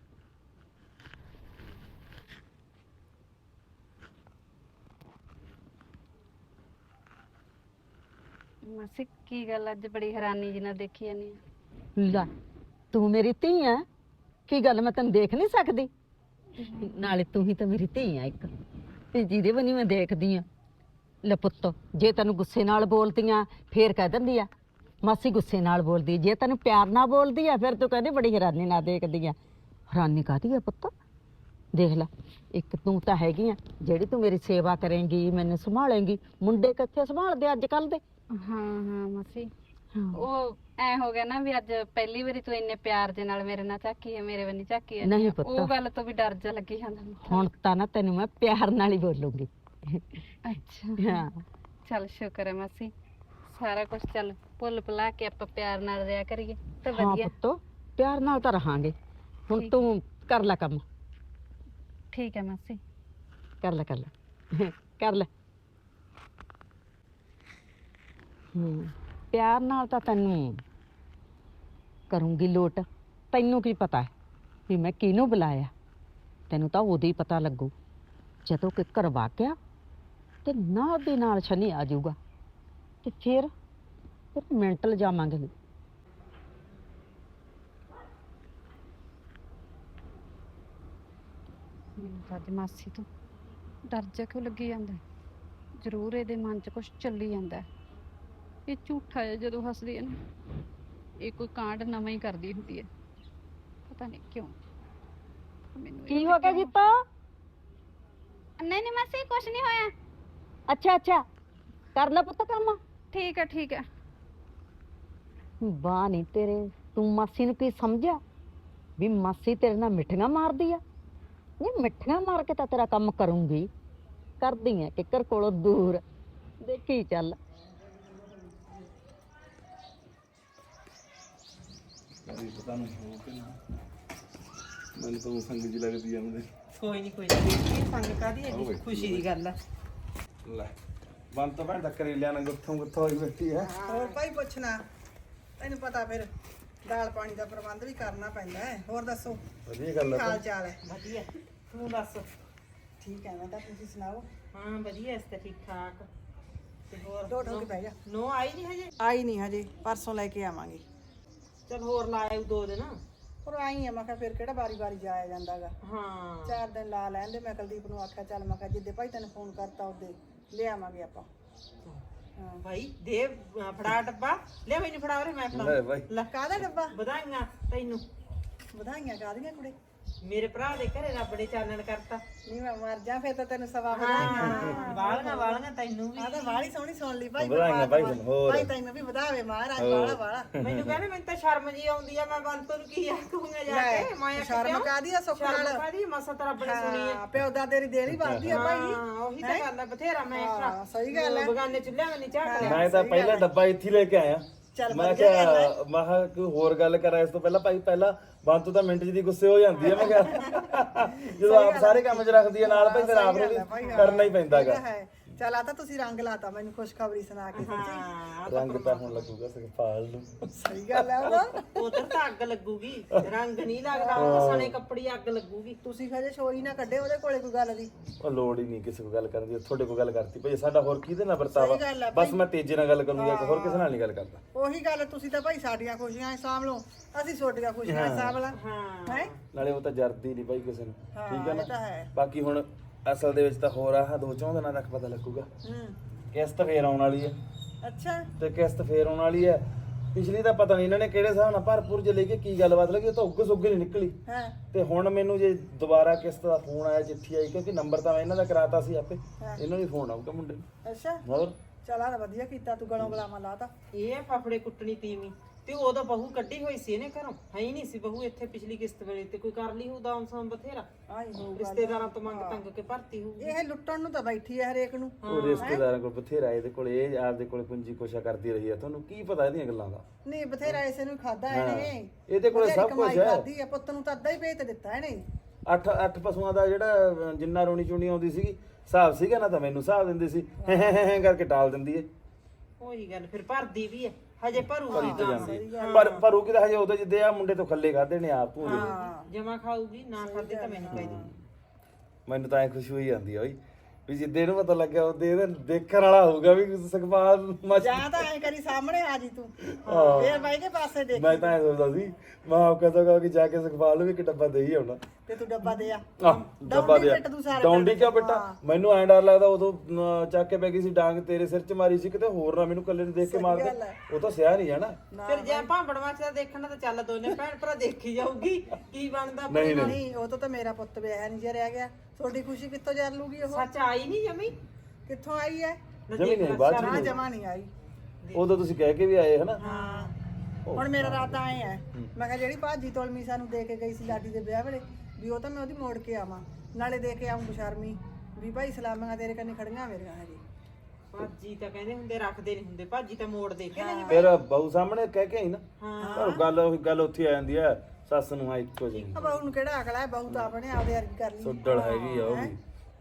[SPEAKER 4] ਮਾਸੀ ਕੀ ਗੱਲ, ਅੱਜ ਬੜੀ ਹੈਰਾਨੀ ਜੀ ਨਾਲ ਦੇਖੀ ਜਾਨੀ ਆ।
[SPEAKER 6] ਲੈ, ਤੂੰ ਮੇਰੀ ਧੀ ਆ, ਕੀ ਗੱਲ ਮੈਂ ਤੈਨੂੰ ਦੇਖ ਨਹੀਂ ਸਕਦੀ? ਨਾਲੇ ਤੂੰ ਹੀ ਤਾਂ ਮੇਰੀ ਧੀ ਆ ਇੱਕ, ਤੇ ਜਿਹਦੇ ਬਣੀ ਮੈਂ ਦੇਖਦੀ ਆ। ਲੈ ਪੁੱਤ, ਜੇ ਤੈਨੂੰ ਗੁੱਸੇ ਨਾਲ ਬੋਲਦੀਆਂ ਫੇਰ ਕਹਿ ਦਿੰਦੀ ਆ ਮਾਸੀ ਗੁੱਸੇ ਨਾਲ ਬੋਲਦੀ। ਜੇ ਤੈਨੂੰ ਪਿਆਰ ਨਾਲ ਬੋਲਦੀ ਆ ਫਿਰ ਤੂੰ ਕਹਿੰਦੀ ਬੜੀ ਹੈਰਾਨੀ ਨਾਲ ਦੇਖਦੀ ਆ। ਹੈਰਾਨੀ ਕਾਹਦੀ ਆ ਪੁੱਤ? ਦੇਖ ਲੈ, ਇੱਕ ਤੂੰ ਤਾਂ ਹੈਗੀ ਆ ਜਿਹੜੀ ਤੂੰ ਮੇਰੀ ਸੇਵਾ ਕਰੇਂਗੀ, ਮੈਨੂੰ ਸੰਭਾਲੇਂਗੀ। ਮੁੰਡੇ ਕਿੱਥੇ ਸੰਭਾਲਦੇ ਅੱਜ ਕੱਲ ਦੇ।
[SPEAKER 4] ਹਾਂ ਮਾਸੀ, ਉਹ ਐ ਹੋ ਗਿਆ ਨਾ ਵੀ ਅੱਜ ਪਹਿਲੀ ਵਾਰੀ ਤੂੰ ਇੰਨੇ ਪਿਆਰ ਦੇ ਨਾਲ ਮੇਰੇ ਨਾਲ ਝਾਕੀ ਹੈ, ਮੇਰੇ ਵੱਲ ਝਾਕੀ ਹੈ।
[SPEAKER 6] ਨਹੀਂ ਪੁੱਤ,
[SPEAKER 4] ਉਹ ਗੱਲ ਤੋਂ ਵੀ ਡਰ ਜਾ ਲੱਗੀ ਜਾਂਦਾ ਮੈਨੂੰ।
[SPEAKER 6] ਹੁਣ ਤਾਂ ਨਾ ਤੈਨੂੰ ਮੈਂ ਪਿਆਰ ਨਾਲ ਹੀ ਬੋਲੂੰਗੀ।
[SPEAKER 4] ਅੱਛਾ,
[SPEAKER 6] ਹਾਂ
[SPEAKER 4] ਚੱਲ ਸ਼ੁਕਰ ਹੈ ਮਾਸੀ। ਸਾਰਾ ਕੁਝ ਚੱਲ ਭੁੱਲ ਭੁਲਾ ਕੇ ਆਪਾਂ ਪਿਆਰ ਨਾਲ ਰਿਹਾ ਕਰੀਏ ਤਾਂ
[SPEAKER 6] ਹਾਂ
[SPEAKER 4] ਵਧੀਆ।
[SPEAKER 6] ਪੁੱਤ, ਪਿਆਰ ਨਾਲ ਤਾਂ ਰਹਾਂਗੇ। ਹੁਣ
[SPEAKER 4] ਠੀਕ।
[SPEAKER 6] ਤੂੰ ਕਰ ਲੈ ਕੰਮ,
[SPEAKER 4] ਠੀਕ ਹੈ ਮਾਸੀ।
[SPEAKER 6] ਕਰ ਲੈ ਕਰ ਲੈ। ਪਿਆਰ ਨਾਲ ਤਾਂ ਤੈਨੂੰ ਕਰੂੰਗੀ ਲੋਟ। ਤੈਨੂੰ ਕੀ ਪਤਾ ਹੈ ਵੀ ਮੈਂ ਕਿਹਨੂੰ ਬੁਲਾਇਆ? ਤੈਨੂੰ ਤਾਂ ਉਦੋਂ ਹੀ ਪਤਾ ਲੱਗੂ ਜਦੋਂ ਕਿ ਕਰਵਾ ਗਿਆ ਤੇ ਨਾਲ ਦੇ ਨਾਲ ਸ਼ਨੀ ਆ ਜਾਊਗਾ ਤੇ ਫਿਰ ਮੈਂਟਲ ਜਾਵਾਂਗੇ।
[SPEAKER 4] ਮੈਨੂੰ ਤਾਂ ਅੱਜ ਮਾਸੀ ਤੋਂ ਡਰ ਜਾ ਕਿਉਂ ਲੱਗੀ ਜਾਂਦਾ। ਜ਼ਰੂਰ ਇਹਦੇ ਮਨ 'ਚ ਕੁਝ ਚੱਲੀ ਜਾਂਦਾ। ਇਹ ਝੂਠਾ ਹੈ ਜਦੋਂ ਹੱਸਦੀ ਹੈ ਨਾ, ਇਹ ਕੋਈ ਕਾਂਡ ਨਵਾਂ ਹੀ ਕਰਦੀ ਹੁੰਦੀ ਹੈ। ਪਤਾ ਨਹੀਂ ਕਿਉਂ ਮੈਨੂੰ।
[SPEAKER 6] ਕੀ ਹੋ ਗਿਆ ਜੀਤਾ?
[SPEAKER 4] ਨਹੀਂ ਮਾਸੀ, ਕੁਝ ਨਹੀਂ ਹੋਇਆ।
[SPEAKER 6] ਅੱਛਾ ਕਰ ਲੈ ਪੁੱਤ ਕੰਮ।
[SPEAKER 4] ਠੀਕ ਹੈ।
[SPEAKER 6] ਵਾਹ ਨਹੀਂ ਤੇਰੇ, ਤੂੰ ਮਾਸੀ ਨੂੰ ਕੀ ਸਮਝਿਆ ਵੀ ਮਾਸੀ ਤੇਰੇ ਨਾਲ ਮਿੱਠੀਆਂ ਮਾਰਦੀ ਆ? ਨਹੀਂ, ਮਿੱਠੀਆਂ ਮਾਰ ਕੇ ਤਾਂ ਤੇਰਾ ਕੰਮ ਕਰੂੰਗੀ। ਕਰਦੀ ਆ ਕਿੱਕਰ ਕੋਲੋਂ ਦੂਰ, ਦੇਖੀ ਚੱਲ।
[SPEAKER 3] ਪਤਾ ਨਹੀਂ ਹੋ ਕਿ ਨਾ, ਮੈਨੂੰ ਤਾਂ ਸੰਗ ਜੀ ਲੱਗਦੀ ਆ ਮੈਨੂੰ।
[SPEAKER 5] ਕੋਈ ਨਹੀਂ ਸੰਗ ਕਾਦੀ ਹੈ, ਖੁਸ਼ੀ ਦੀ ਗੱਲ ਆ।
[SPEAKER 3] ਲੈ ਬੰਦ ਤਾਂ ਭੈਣ ਦਾ ਕਰੇਲਿਆਂ ਨਾਲ ਗੁੱਥੋਂ ਹੋਈ ਬੈਠੀ ਹੈ।
[SPEAKER 2] ਹੋਰ ਭਾਈ ਪੁੱਛਣਾ, ਤੈਨੂੰ ਪਤਾ ਫਿਰ ਦਾਲ ਪਾਣੀ ਦਾ ਪ੍ਰਬੰਧ ਵੀ ਕਰਨਾ ਪੈਂਦਾ ਹੈ। ਹੋਰ ਦੱਸੋ,
[SPEAKER 3] ਵਧੀਆ ਗੱਲ
[SPEAKER 2] ਹਾਲ ਚਾਲ ਹੈ?
[SPEAKER 5] ਵਧੀਆ, ਤੂੰ ਦੱਸ?
[SPEAKER 2] ਠੀਕ ਹੈ, ਮੈਂ ਤਾਂ ਤੁਸੀਂ ਸੁਣਾਓ?
[SPEAKER 5] ਹਾਂ ਵਧੀਆ, ਇਸ ਤੇ ਠੀਕ ਠਾਕ। ਤੇ ਹੋਰ
[SPEAKER 2] ਢੋ ਢੋ ਕੇ ਬਹਿ ਜਾ।
[SPEAKER 5] ਨੋ ਆਈ ਨਹੀਂ ਹਜੇ?
[SPEAKER 2] ਆਈ ਨਹੀਂ ਹਜੇ, ਪਰਸੋਂ ਲੈ ਕੇ ਆਵਾਂਗੇ।
[SPEAKER 5] ਚਲ ਹੋਰ ਲਾਇਓ 2 ਦਿਨ।
[SPEAKER 2] ਪਰ ਆਈ ਆ, ਮੈਂ ਕਿਹਾ ਫਿਰ ਕਿਹੜਾ ਵਾਰੀ ਜਾਇਆ ਜਾਂਦਾਗਾ।
[SPEAKER 5] ਹਾਂ
[SPEAKER 2] 4 ਦਿਨ ਲਾ ਲੈਂਦੇ। ਮੈਂ ਕੁਲਦੀਪ ਨੂੰ ਆਖਿਆ ਚੱਲ, ਮੈਂ ਕਿਹਾ ਜਿੱਦੇ ਭਾਈ ਤੈਨੂੰ ਫੋਨ ਕਰਤਾ ਉਹਦੇ ਲਿਆਵਾਂਗੇ ਆਪਾਂ। ਹਾਂ
[SPEAKER 5] ਭਾਈ ਦੇ ਫੜਾ ਡੱਬਾ, ਲੈ ਮੈਨੂੰ ਫੜਾ ਉਰੇ, ਮੈਂ
[SPEAKER 3] ਲੈ
[SPEAKER 5] ਫੜਾ।
[SPEAKER 3] ਬਾਈ,
[SPEAKER 2] ਲੈ ਕਾਹਦਾ ਡੱਬਾ?
[SPEAKER 5] ਵਧਾਈਆਂ ਤੈਨੂੰ,
[SPEAKER 2] ਵਧਾਈਆਂ ਕਾਹਦੀਆਂ ਕੁੜੇ?
[SPEAKER 5] ਮੇਰੇ ਭਰਾ ਦੇ ਘਰੇ ਰੱਬ ਨੇ ਚਾਨਣ ਕਰਤਾ।
[SPEAKER 2] ਨਹੀਂ ਮੈਂ ਮਰ ਜਾ, ਫਿਰ ਤਾਂ ਤੈਨੂੰ ਸਵਾ
[SPEAKER 5] ਹਾਂ ਵਾਲੀਆਂ ਤੈਨੂੰ ਵੀ।
[SPEAKER 2] ਆ ਤਾਂ ਵਾਲੀ ਸੋਹਣੀ ਸੁਣ ਲਈ ਭਾਈ।
[SPEAKER 3] ਵਧਾਈਆਂ ਭਾਈ ਤੈਨੂੰ। ਹੋਰ
[SPEAKER 2] ਭਾਈ ਤੈਨੂੰ ਵੀ ਵਧਾਵੇ ਮਹਾਰਾਜ, ਵਾਲਾ
[SPEAKER 5] ਮੈਨੂੰ ਕਹਿੰਦੇ ਮੈਨੂੰ ਤਾਂ ਸ਼ਰਮ ਜੀ ਆਉਂਦੀ ਆ, ਮੈਂ ਬੰਤੋਂ ਨੂੰ ਕੀ ਆਖੂੰਗਾ ਜਾ ਕੇ। ਮੈਂ
[SPEAKER 2] ਸ਼ਰਮ ਕਾਹਦੀ ਆ? ਸੁੱਖ ਨਾਲ
[SPEAKER 5] ਕਾਦੀ ਮਸਾ ਤਾਂ ਰੱਬ ਨੇ ਸੁਣੀ ਆ।
[SPEAKER 2] ਪਿਓ ਦਾਦੇ ਦੀ ਦੇਣੀ ਬਣਦੀ ਆ ਭਾਈ।
[SPEAKER 5] ਹਾਂ ਉਹੀ ਤਾਂ ਗੱਲ ਆ, ਬਥੇਰਾ ਮੈਂ
[SPEAKER 2] ਹਾਂ, ਸਹੀ ਗੱਲ ਹੈ।
[SPEAKER 5] ਬਗਾਨੇ ਚੁੱਲ੍ਹਿਆਂ ਨਹੀਂ ਝਾਕ ਲਿਆ।
[SPEAKER 3] ਮੈਂ ਤਾਂ ਪਹਿਲਾਂ ਡੱਬਾ ਇੱਥੇ ਹੀ ਲੈ ਕੇ ਆਇਆ। ਮੈਂ ਕਿਹਾ ਕੋਈ ਹੋਰ ਗੱਲ ਕਰਾਂ ਇਸ ਤੋਂ ਪਹਿਲਾਂ। ਭਾਈ ਪਹਿਲਾਂ ਬੰਤੂ ਤਾਂ ਮਿੰਟ ਜਿਹੀ ਗੁੱਸੇ ਹੋ ਜਾਂਦੀ ਹੈ। ਮੈਂ ਕਿਹਾ ਜਦੋਂ ਆਪ ਸਾਰੇ ਕੰਮ 'ਚ ਰੱਖਦੀ ਹੈ ਨਾਲ, ਭਾਈ ਫਿਰ ਆਪ ਨੂੰ ਵੀ ਕਰਨਾ ਹੀ ਪੈਂਦਾਗਾ।
[SPEAKER 7] ਚੱਲ ਆ ਤਾਂ ਤੁਸੀਂ ਰੰਗ ਲਾਤਾ ਮੈਨੂੰ ਖੁਸ਼ਖਬਰੀ ਸੁਣਾ ਕੇ ਸੱਚੀ
[SPEAKER 3] ਰੰਗ ਤਾਂ ਹੁਣ ਲੱਗੂਗਾ ਸੁਖਪਾਲ ਨੂੰ।
[SPEAKER 7] ਸਹੀ ਗੱਲ ਹੈ ਉਹਦਾ
[SPEAKER 5] ਉਧਰ ਤਾਂ ਅੱਗ ਲੱਗੂਗੀ, ਰੰਗ ਨਹੀਂ ਲੱਗਦਾ, ਉਹ ਸਣੇ ਕੱਪੜੀ ਅੱਗ ਲੱਗੂਗੀ।
[SPEAKER 7] ਤੁਸੀਂ ਖਜੇ ਸ਼ੋਰੀ ਨਾ ਕੱਢੇ ਉਹਦੇ ਕੋਲੇ ਕੋਈ ਗੱਲ ਦੀ
[SPEAKER 3] ਉਹ ਲੋੜ ਹੀ ਨਹੀਂ ਕਿਸੇ ਕੋਲ ਗੱਲ ਕਰਨ ਦੀ, ਤੁਹਾਡੇ ਕੋਲ ਗੱਲ ਕਰਤੀ ਭਾਈ। ਸਾਡਾ ਹੋਰ ਕਿਹਦੇ ਨਾਲ ਵਰਤਾਵਾ?
[SPEAKER 7] ਸਹੀ ਗੱਲ ਹੈ
[SPEAKER 3] ਬਸ ਮੈਂ ਤੇਜੇ ਨਾਲ ਗੱਲ ਕਰੂੰਗਾ, ਹੋਰ ਕਿਸੇ ਨਾਲ ਨਹੀਂ ਗੱਲ ਕਰਦਾ।
[SPEAKER 7] ਉਹੀ ਗੱਲ ਤੁਸੀਂ ਤਾਂ ਭਾਈ ਸਾਡੀਆਂ ਖੁਸ਼ੀਆਂ ਸਾਂਭ ਲਓ, ਅਸੀਂ ਛੋਟੀਆਂ ਖੁਸ਼ੀਆਂ ਸਾਂਭ ਲਾਂ ਹੈ
[SPEAKER 3] ਨਾਲੇ ਉਹ ਤਾਂ ਜਰਦੀ ਨਹੀਂ ਭਾਈ ਕਿਸੇ ਨੂੰ, ਠੀਕ ਹੈ
[SPEAKER 7] ਇਹ ਤਾਂ
[SPEAKER 3] ਨਾ।
[SPEAKER 7] ਹੈ
[SPEAKER 3] ਬਾਕੀ ਹੁਣ ਅਸਲ ਦੇ ਵਿੱਚ ਤਾਂ ਹੋਰ ਆਹ 2-4 ਦਿਨਾਂ ਤੱਕ ਪਤਾ ਲੱਗੂਗਾ। ਕਿਸ਼ਤ ਫੇਰ ਆਉਣ ਵਾਲੀ ਹੈ,
[SPEAKER 7] ਅੱਛਾ
[SPEAKER 3] ਤੇ ਕਿਸ਼ਤ ਫੇਰ ਆਉਣ ਵਾਲੀ ਹੈ। ਪਿਛਲੀ ਤਾਂ ਪਤਾ ਨਹੀਂ ਇਹਨਾਂ ਨੇ ਕਿਹੜੇ ਹਿਸਾਬ ਨਾਲ ਭਰਪੂਰ ਜੇ ਲੈ ਕੇ ਕੀ ਗੱਲਬਾਤ ਲੱਗੀ, ਉਹ ਤਾਂ ਉੱਗ ਨਹੀਂ ਨਿਕਲੀ।
[SPEAKER 7] ਹਾਂ
[SPEAKER 3] ਤੇ ਹੁਣ ਮੈਨੂੰ ਜੇ ਦੁਬਾਰਾ ਕਿਸ਼ਤ ਦਾ ਫੋਨ ਆਇਆ, ਚਿੱਠੀ ਆਈ, ਕਿਉਂਕਿ ਨੰਬਰ ਤਾਂ ਮੈਂ ਇਹਨਾਂ ਦਾ ਕਰਾਤਾ ਸੀ ਆਪੇ, ਇਹਨਾਂ ਨੂੰ ਫੋਨ ਆਊਗਾ ਮੁੰਡੇ ਨੂੰ।
[SPEAKER 7] ਅੱਛਾ
[SPEAKER 3] ਹੋਰ
[SPEAKER 7] ਚਲ ਆ ਵਧੀਆ ਕੀਤਾ ਤੂੰ ਗਲੋਂ ਗਲਾਵਾਂ ਲਾਤਾ
[SPEAKER 5] ਇਹ ਆ ਫਫੜੇ ਕੁੱਟਣੀ ਤੀਵੀਂ, ਤੇ ਉਦੋਂ ਬਹੂ ਕੱਢੀ ਹੋਈ ਸੀ ਇਹਨੇ ਘਰੋਂ, ਹੈ ਹੀ ਨਹੀਂ ਸੀ ਬਹੂ ਇੱਥੇ ਪਿਛਲੀ ਕਿਸ਼ਤ ਵੇਲੇ, ਤੇ ਕੋਈ ਕਰ ਲਈ ਹੋਊ ਦਾਮ ਸਾਮ ਬਥੇਰਾ,
[SPEAKER 7] ਆਈ ਹੋਊਗਾ
[SPEAKER 5] ਰਿਸ਼ਤੇਦਾਰਾਂ ਤੋਂ ਮੰਗ ਤੰਗ ਕੇ ਭਰਤੀ ਹੋਊ।
[SPEAKER 7] ਇਹ ਲੁੱਟਣ ਨੂੰ ਤਾਂ ਬੈਠੀ ਹੈ ਹਰੇਕ ਨੂੰ
[SPEAKER 3] ਉਹ ਰਿਸ਼ਤੇਦਾਰਾਂ ਕੋਲ ਬਥੇਰਾ, ਇਹਦੇ ਕੋਲ ਇਹ ਆਪਦੇ ਕੋਲ ਪੁੰਜੀ ਕੋਸ਼ਾ ਕਰਦੀ ਰਹੀ ਹੈ, ਤੁਹਾਨੂੰ ਕੀ ਪਤਾ ਇਹਦੀਆਂ ਗੱਲਾਂ ਦਾ?
[SPEAKER 7] ਨਹੀਂ ਬਥੇਰਾ ਇਸੇ ਨੂੰ ਖਾਦਾ ਇਹਨੇ
[SPEAKER 3] ਇਹਦੇ ਕੋਲ ਸਭ ਕੁਝ ਹੈ।
[SPEAKER 7] ਖਾਦੀ ਹੈ ਪੁੱਤ ਨੂੰ ਤਾਂ ਅੱਧਾ ਹੀ ਵੇਚ ਦਿੱਤਾ ਇਹਨੇ
[SPEAKER 3] 8 ਪਸ਼ੂਆਂ ਦਾ ਜਿਹੜਾ ਜਿੰਨਾ ਰੋਣੀ ਚੁਣੀ ਆਉਂਦੀ ਸੀਗੀ, ਹਿਸਾਬ ਸੀਗਾ ਨਾ, ਤਾਂ ਮੈਨੂੰ ਹਿਸਾਬ ਦਿੰਦੀ ਸੀ, ਕਰਕੇ ਟਾਲ ਦਿੰਦੀ ਏ।
[SPEAKER 5] ਉਹੀ ਗੱਲ ਫਿਰ ਭਰਦੀ ਵੀ ਹੈ, ਹਜੇ ਭਰੂਗੀ
[SPEAKER 3] ਭਰੀ ਤਾਂ ਜਾਂਦੀ ਹੈ। ਪਰ ਉਹ ਕਿਤੇ ਹਜੇ ਉਹਦੇ ਜਿੱਦੇ ਆ ਮੁੰਡੇ ਤੋਂ ਖੱਲੇ ਖਾਦੇ ਨੇ ਆਪ ਭੂਲੇ।
[SPEAKER 5] ਜਮਾ ਖਾਊਗੀ, ਨਾ ਖਾਦੇ ਤਾਂ ਮੈਨੂੰ ਕਹਿ ਦੇ।
[SPEAKER 3] ਮੈਨੂੰ ਤਾਂ ਐ ਖੁਸ਼ੀ ਹੋਈ ਜਾਂਦੀ ਆ ਬਈ, ਵੀ ਜਿੱਦੇ ਨੂੰ ਪਤਾ ਲੱਗਿਆ ਉਹਦੇ ਇਹਦੇ ਦੇਖਣ ਵਾਲਾ ਹੋਊਗਾ ਵੀ ਸੁਖਪਾਲ ਮੱਚ।
[SPEAKER 7] ਜਾਂ ਤਾਂ ਐ ਕਰੀ ਸਾਹਮਣੇ ਆ ਜੀ ਤੂੰ ਫੇਰ ਬਾਈ ਕੇ ਪਾਸੇ ਦੇਖ
[SPEAKER 3] ਮੈਂ ਤਾਂ ਐ ਸੋਚਦਾ ਸੀ, ਮੈਂ ਆਪ ਕਹਦਾ ਕਿ ਜਾ ਕੇ ਸੁਖਪਾਲ ਨੂੰ ਵੀ ਇੱਕ ਡੱਬਾ ਦੇ ਹੀ ਆਉਣਾ।
[SPEAKER 7] ਤੇ ਤੂੰ ਡੱਬਾ ਦੇ ਆ
[SPEAKER 3] ਡੱਬਾ ਦੇ
[SPEAKER 7] ਪਿੱਟ ਤੂੰ ਸਾਰੇ
[SPEAKER 3] ਡੌਂਡੀ ਕਿਉਂ ਬੇਟਾ? ਮੈਨੂੰ ਐਂ ਡਰ ਲੱਗਦਾ ਉਦੋਂ ਚੱਕ ਕੇ ਪੈ ਗਈ ਸੀ ਡਾਂਗ, ਤੇਰੇ ਸਿਰ 'ਚ ਮਾਰੀ ਸੀ, ਕਿਤੇ ਹੋਰ ਨਾ ਮੈਨੂੰ ਕੱਲੇ ਨੂੰ ਦੇਖ ਕੇ ਮਾਰ ਦੇ, ਉਹ ਤਾਂ ਸਿਆ ਨਹੀਂ ਜਾਣਾ।
[SPEAKER 5] ਫਿਰ ਜੇ ਭਾਂਬੜ ਮਾਚਦਾ ਦੇਖਣਾ ਤਾਂ ਚੱਲ ਦੋਨੇ ਭੈਣ ਭਰਾ ਦੇਖੀ ਜਾਊਗੀ ਕੀ ਬਣਦਾ।
[SPEAKER 3] ਨਹੀਂ ਨਹੀਂ
[SPEAKER 7] ਨਹੀਂ ਉਹ ਤਾਂ ਮੇਰਾ ਪੁੱਤ ਵਿਆਹ ਨਹੀਂ ਜੇ ਰਹਿ ਗਿਆ, ਤੁਹਾਡੀ ਖੁਸ਼ੀ ਕਿੱਥੋਂ ਜਾਣ ਲੂਗੀ ਉਹ?
[SPEAKER 5] ਸੱਚ ਆਈ ਨਹੀਂ ਜਮੀ,
[SPEAKER 7] ਕਿੱਥੋਂ ਆਈ ਹੈ?
[SPEAKER 3] ਜਮੀ ਨਹੀਂ ਬਾਅਦ
[SPEAKER 7] ਨਾ
[SPEAKER 3] ਚ
[SPEAKER 7] ਜਮਾ ਨਹੀਂ ਆਈ।
[SPEAKER 3] ਉਦੋਂ ਤੁਸੀਂ ਕਹਿ ਕੇ ਵੀ ਆਏ ਹਨਾ।
[SPEAKER 7] ਹਾਂ ਹੁਣ ਮੇਰਾ ਰਾਤ ਆਏ ਹੈ, ਮੈਂ ਕਿਹਾ ਜਿਹੜੀ ਭਾਜੀ ਤੋਲਮੀ ਸਾਨੂੰ ਦੇ ਕੇ ਗਈ ਸੀ ਲਾਡੀ ਦੇ ਵਿਆਹ ਵੇਲੇ, ਵੀ ਉਹ ਤਾਂ ਮੈਂ ਉਹਦੀ ਮੋੜ ਕੇ ਆਵਾਂ, ਨਾਲੇ ਦੇ ਕੇ ਆਉਂ ਬਸ਼ਰਮੀ ਵੀ ਭਾਈ ਸਲਾਮਾਂ ਤੇਰੇ ਕੰਨੇ ਖੜੀਆਂ ਮੇਰੀਆਂ ਹਜੇ।
[SPEAKER 5] ਭਾਜੀ ਤਾਂ ਕਹਿੰਦੇ ਹੁੰਦੇ ਰੱਖਦੇ ਨਹੀਂ ਹੁੰਦੇ, ਭਾਜੀ ਤਾਂ ਮੋੜ ਦੇ ਕੇ ਨਹੀਂ।
[SPEAKER 3] ਫਿਰ ਬਹੂ ਸਾਹਮਣੇ ਕਹਿ ਕੇ ਆਈ ਨਾ, ਪਰ ਗੱਲ ਉੱਥੇ ਆ ਜਾਂਦੀ ਹੈ, ਸੱਸ ਨੂੰ ਆ ਇੱਕੋ ਜਿਹੀ
[SPEAKER 7] ਆ ਬਹੂ ਨੂੰ ਕਿਹੜਾ ਅਕਲ ਹੈ? ਬਹੂ ਤਾਂ ਆਪਣੇ ਆਪਦੇ ਅਰਗੀ ਕਰ ਲਈ,
[SPEAKER 3] ਸੁੱਡਲ ਹੈਗੀ ਆ ਉਹ ਵੀ।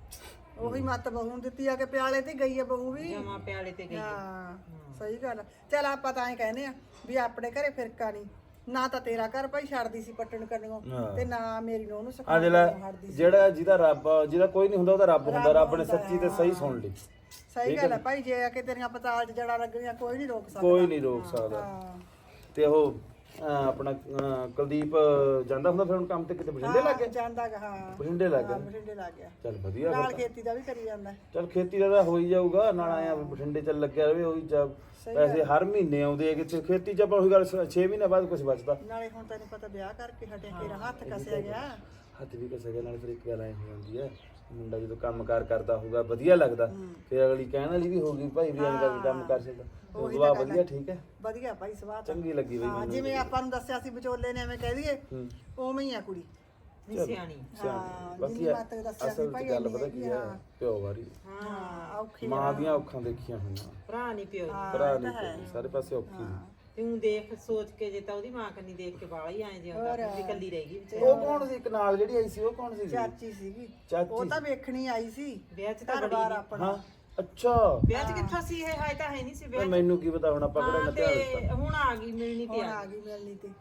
[SPEAKER 7] ਉਹੀ ਮੱਤ ਬਹੂ ਨੂੰ ਦਿੱਤੀ ਆ ਕਿ ਪਿਆਲੇ ਤੇ ਗਈ ਆ ਬਹੂ ਵੀ।
[SPEAKER 5] ਜਮਾ ਪਿਆਲੇ ਤੇ ਗਈ।
[SPEAKER 7] ਹਾਂ ਸਹੀ ਗੱਲ। ਚਲ ਆਪਾਂ ਤਾਂ ਐ ਕਹਿੰਦੇ ਆ ਵੀ ਆਪਣੇ ਘਰੇ ਫਿਰਕਾ ਨਹੀਂ, ਨਾ ਤਾਂ ਤੇਰਾ ਘਰ ਭਾਈ ਛੱਡਦੀ ਸੀ ਪੱਟਣ ਕਰਨੋਂ, ਤੇ ਨਾ ਮੇਰੀ ਨੂੰ ਉਹਨੂੰ
[SPEAKER 3] ਆ
[SPEAKER 7] ਸਿਖਾਉਣ ਹਟਦੀ ਸੀ।
[SPEAKER 3] ਜਿਹੜਾ ਜਿਹਦਾ ਰੱਬ, ਜਿਹਦਾ ਕੋਈ ਨਹੀਂ ਹੁੰਦਾ ਉਹਦਾ ਰੱਬ ਹੁੰਦਾ। ਰੱਬ ਨੇ ਸੱਚੀ ਤੇ ਸਹੀ ਸੁਣ ਲਈ।
[SPEAKER 7] ਸਹੀ ਗੱਲ ਹੈ ਭਾਈ, ਜੇ ਆ ਕੇ ਤੇਰੀਆਂ ਪਤਾਲ 'ਚ ਜੜਾ ਲੱਗਣੀਆਂ ਕੋਈ ਨਹੀਂ ਰੋਕ ਸਕਦਾ।
[SPEAKER 3] ਕੋਈ ਨਹੀਂ ਰੋਕ ਸਕਦਾ।
[SPEAKER 7] ਹਾਂ
[SPEAKER 3] ਤੇ ਉਹ ਆਪਣਾ ਕੁਲਦੀਪ ਜਾਂਦਾ ਹੁੰਦਾ ਫਿਰ ਹੁਣ ਕੰਮ ਤੇ, ਕਿਤੇ ਬਠਿੰਡੇ ਲੱਗ ਗਿਆ?
[SPEAKER 7] ਜਾਂਦਾ ਗਾ, ਹਾਂ
[SPEAKER 3] ਬਠਿੰਡੇ ਲੱਗ ਗਿਆ।
[SPEAKER 7] ਬਠਿੰਡੇ ਲੱਗ ਗਿਆ,
[SPEAKER 3] ਚੱਲ ਵਧੀਆ।
[SPEAKER 7] ਨਾਲ ਖੇਤੀ ਦਾ ਵੀ ਕਰੀ ਜਾਂਦਾ।
[SPEAKER 3] ਚੱਲ ਖੇਤੀ ਦਾ ਤਾਂ ਹੋ ਹੀ ਜਾਊਗਾ, ਨਾਲ ਆਇਆ ਬਠਿੰਡੇ ਚੱਲ ਲੱਗਿਆ ਰਵੇ। ਉਹੀ ਪੈਸੇ ਹਰ ਮਹੀਨੇ ਆਉਂਦੇ ਆ, ਕਿਤੇ ਖੇਤੀ ਚ ਆਪਾਂ ਉਹੀ ਗੱਲ 6 ਮਹੀਨੇ ਬਾਅਦ ਕੁਝ ਬਚਦਾ।
[SPEAKER 7] ਨਾਲੇ ਹੁਣ ਤੈਨੂੰ ਪਤਾ ਵਿਆਹ ਕਰਕੇ ਹਟਿਆ ਕੇ ਹੱਥ ਕਸਿਆ ਗਿਆ।
[SPEAKER 3] ਹੱਥ ਵੀ ਕਸੇ ਗਿਆ, ਨਾਲ ਫਿਰ ਇੱਕ ਗੱਲ ਐ ਹੋ ਜਾਂਦੀ ਹੈ, ਮੁੰਡਾ ਜਦੋਂ ਕੰਮਕਾਰ ਕਰਦਾ ਹੋਊਗਾ ਵਧੀਆ ਲੱਗਦਾ, ਫਿਰ ਅਗਲੀ ਕਹਿਣ ਵਾਲੀ ਵੀ ਹੋਊਗੀ ਭਾਈ ਵੀ ਐਂ ਕਰਕੇ ਕੰਮ ਕਰ ਸਕਦਾ। ਉਹ ਦੁਆ ਵਧੀਆ, ਠੀਕ ਹੈ,
[SPEAKER 7] ਵਧੀਆ ਭਾਈ ਸਵਾਦ
[SPEAKER 3] ਚੰਗੀ ਲੱਗੀ ਬਈ ਮੈਨੂੰ।
[SPEAKER 7] ਜਿਵੇਂ ਆਪਾਂ ਨੂੰ ਦੱਸਿਆ ਸੀ ਵਿਚੋਲੇ ਨੇ, ਐਵੇਂ ਕਹਿ ਦਈਏ ਉਵੇਂ ਹੀ ਆ ਕੁੜੀ।
[SPEAKER 5] ਸਿਆਣੀ।
[SPEAKER 3] ਬਾਕੀ ਅਸਲ ਚ ਗੱਲ ਪਤਾ ਕੀ ਹੈ, ਪਿਓ ਵਾਰੀ
[SPEAKER 7] ਹਾਂ ਔਖੀ
[SPEAKER 3] ਮਾਂ ਦੀਆਂ ਔਖਾਂ ਦੇਖੀਆਂ ਹੋਈਆਂ,
[SPEAKER 5] ਭਰਾ ਨਹੀਂ ਪਿਓ
[SPEAKER 3] ਭਰਾ ਨਹੀਂ, ਸਾਰੇ ਪਾਸੇ ਔਖੀ ਨੇ।
[SPEAKER 5] ਤੂੰ ਦੇਖ ਸੋਚ ਕੇ, ਜੇ ਤਾਂ ਉਹਦੀ ਮਾਂ ਕੰਨੀ ਦੇਖ ਕੇ ਬਾਲਾ ਹੀ ਆਏ ਜਿਉਂਦਾ ਵੀ ਕੱਲੀ ਰਹਿ ਗਈ ਵਿਚਾਰੀ।
[SPEAKER 3] ਉਹ ਕੌਣ ਸੀ ਇੱਕ ਨਾਲ ਜਿਹੜੀ ਆਈ ਸੀ? ਉਹ ਕੌਣ ਸੀ?
[SPEAKER 7] ਚਾਚੀ ਸੀਗੀ,
[SPEAKER 3] ਚਾਚੀ
[SPEAKER 7] ਉਹ ਤਾਂ ਵੇਖਣੀ ਆਈ ਸੀ
[SPEAKER 5] ਵਿਆਹ ਚ ਤਾਂ
[SPEAKER 7] ਘਰ-ਬਾਰ ਆਪਣਾ।
[SPEAKER 3] ਹਾਂ ਅੱਛਾ,
[SPEAKER 5] ਵਿਆਹ ਚ ਕਿੱਥੋਂ ਸੀ ਇਹ? ਹਾਏ ਤਾਂ ਹੈ ਨਹੀਂ ਸੀ ਵਿਆਹ ਚ।
[SPEAKER 3] ਮੈਨੂੰ ਕੀ ਪਤਾ, ਹੁਣ ਆਪਾਂ ਕਿਹੜਾ
[SPEAKER 5] ਹਾਂ,
[SPEAKER 3] ਨਤਿਆ
[SPEAKER 5] ਤੇ ਹੁਣ ਆ ਗਈ ਮਿਲਣੀ ਤੇ
[SPEAKER 7] ਹੁਣ ਆ ਗਈ ਮਿਲਣੀ ਤੇ।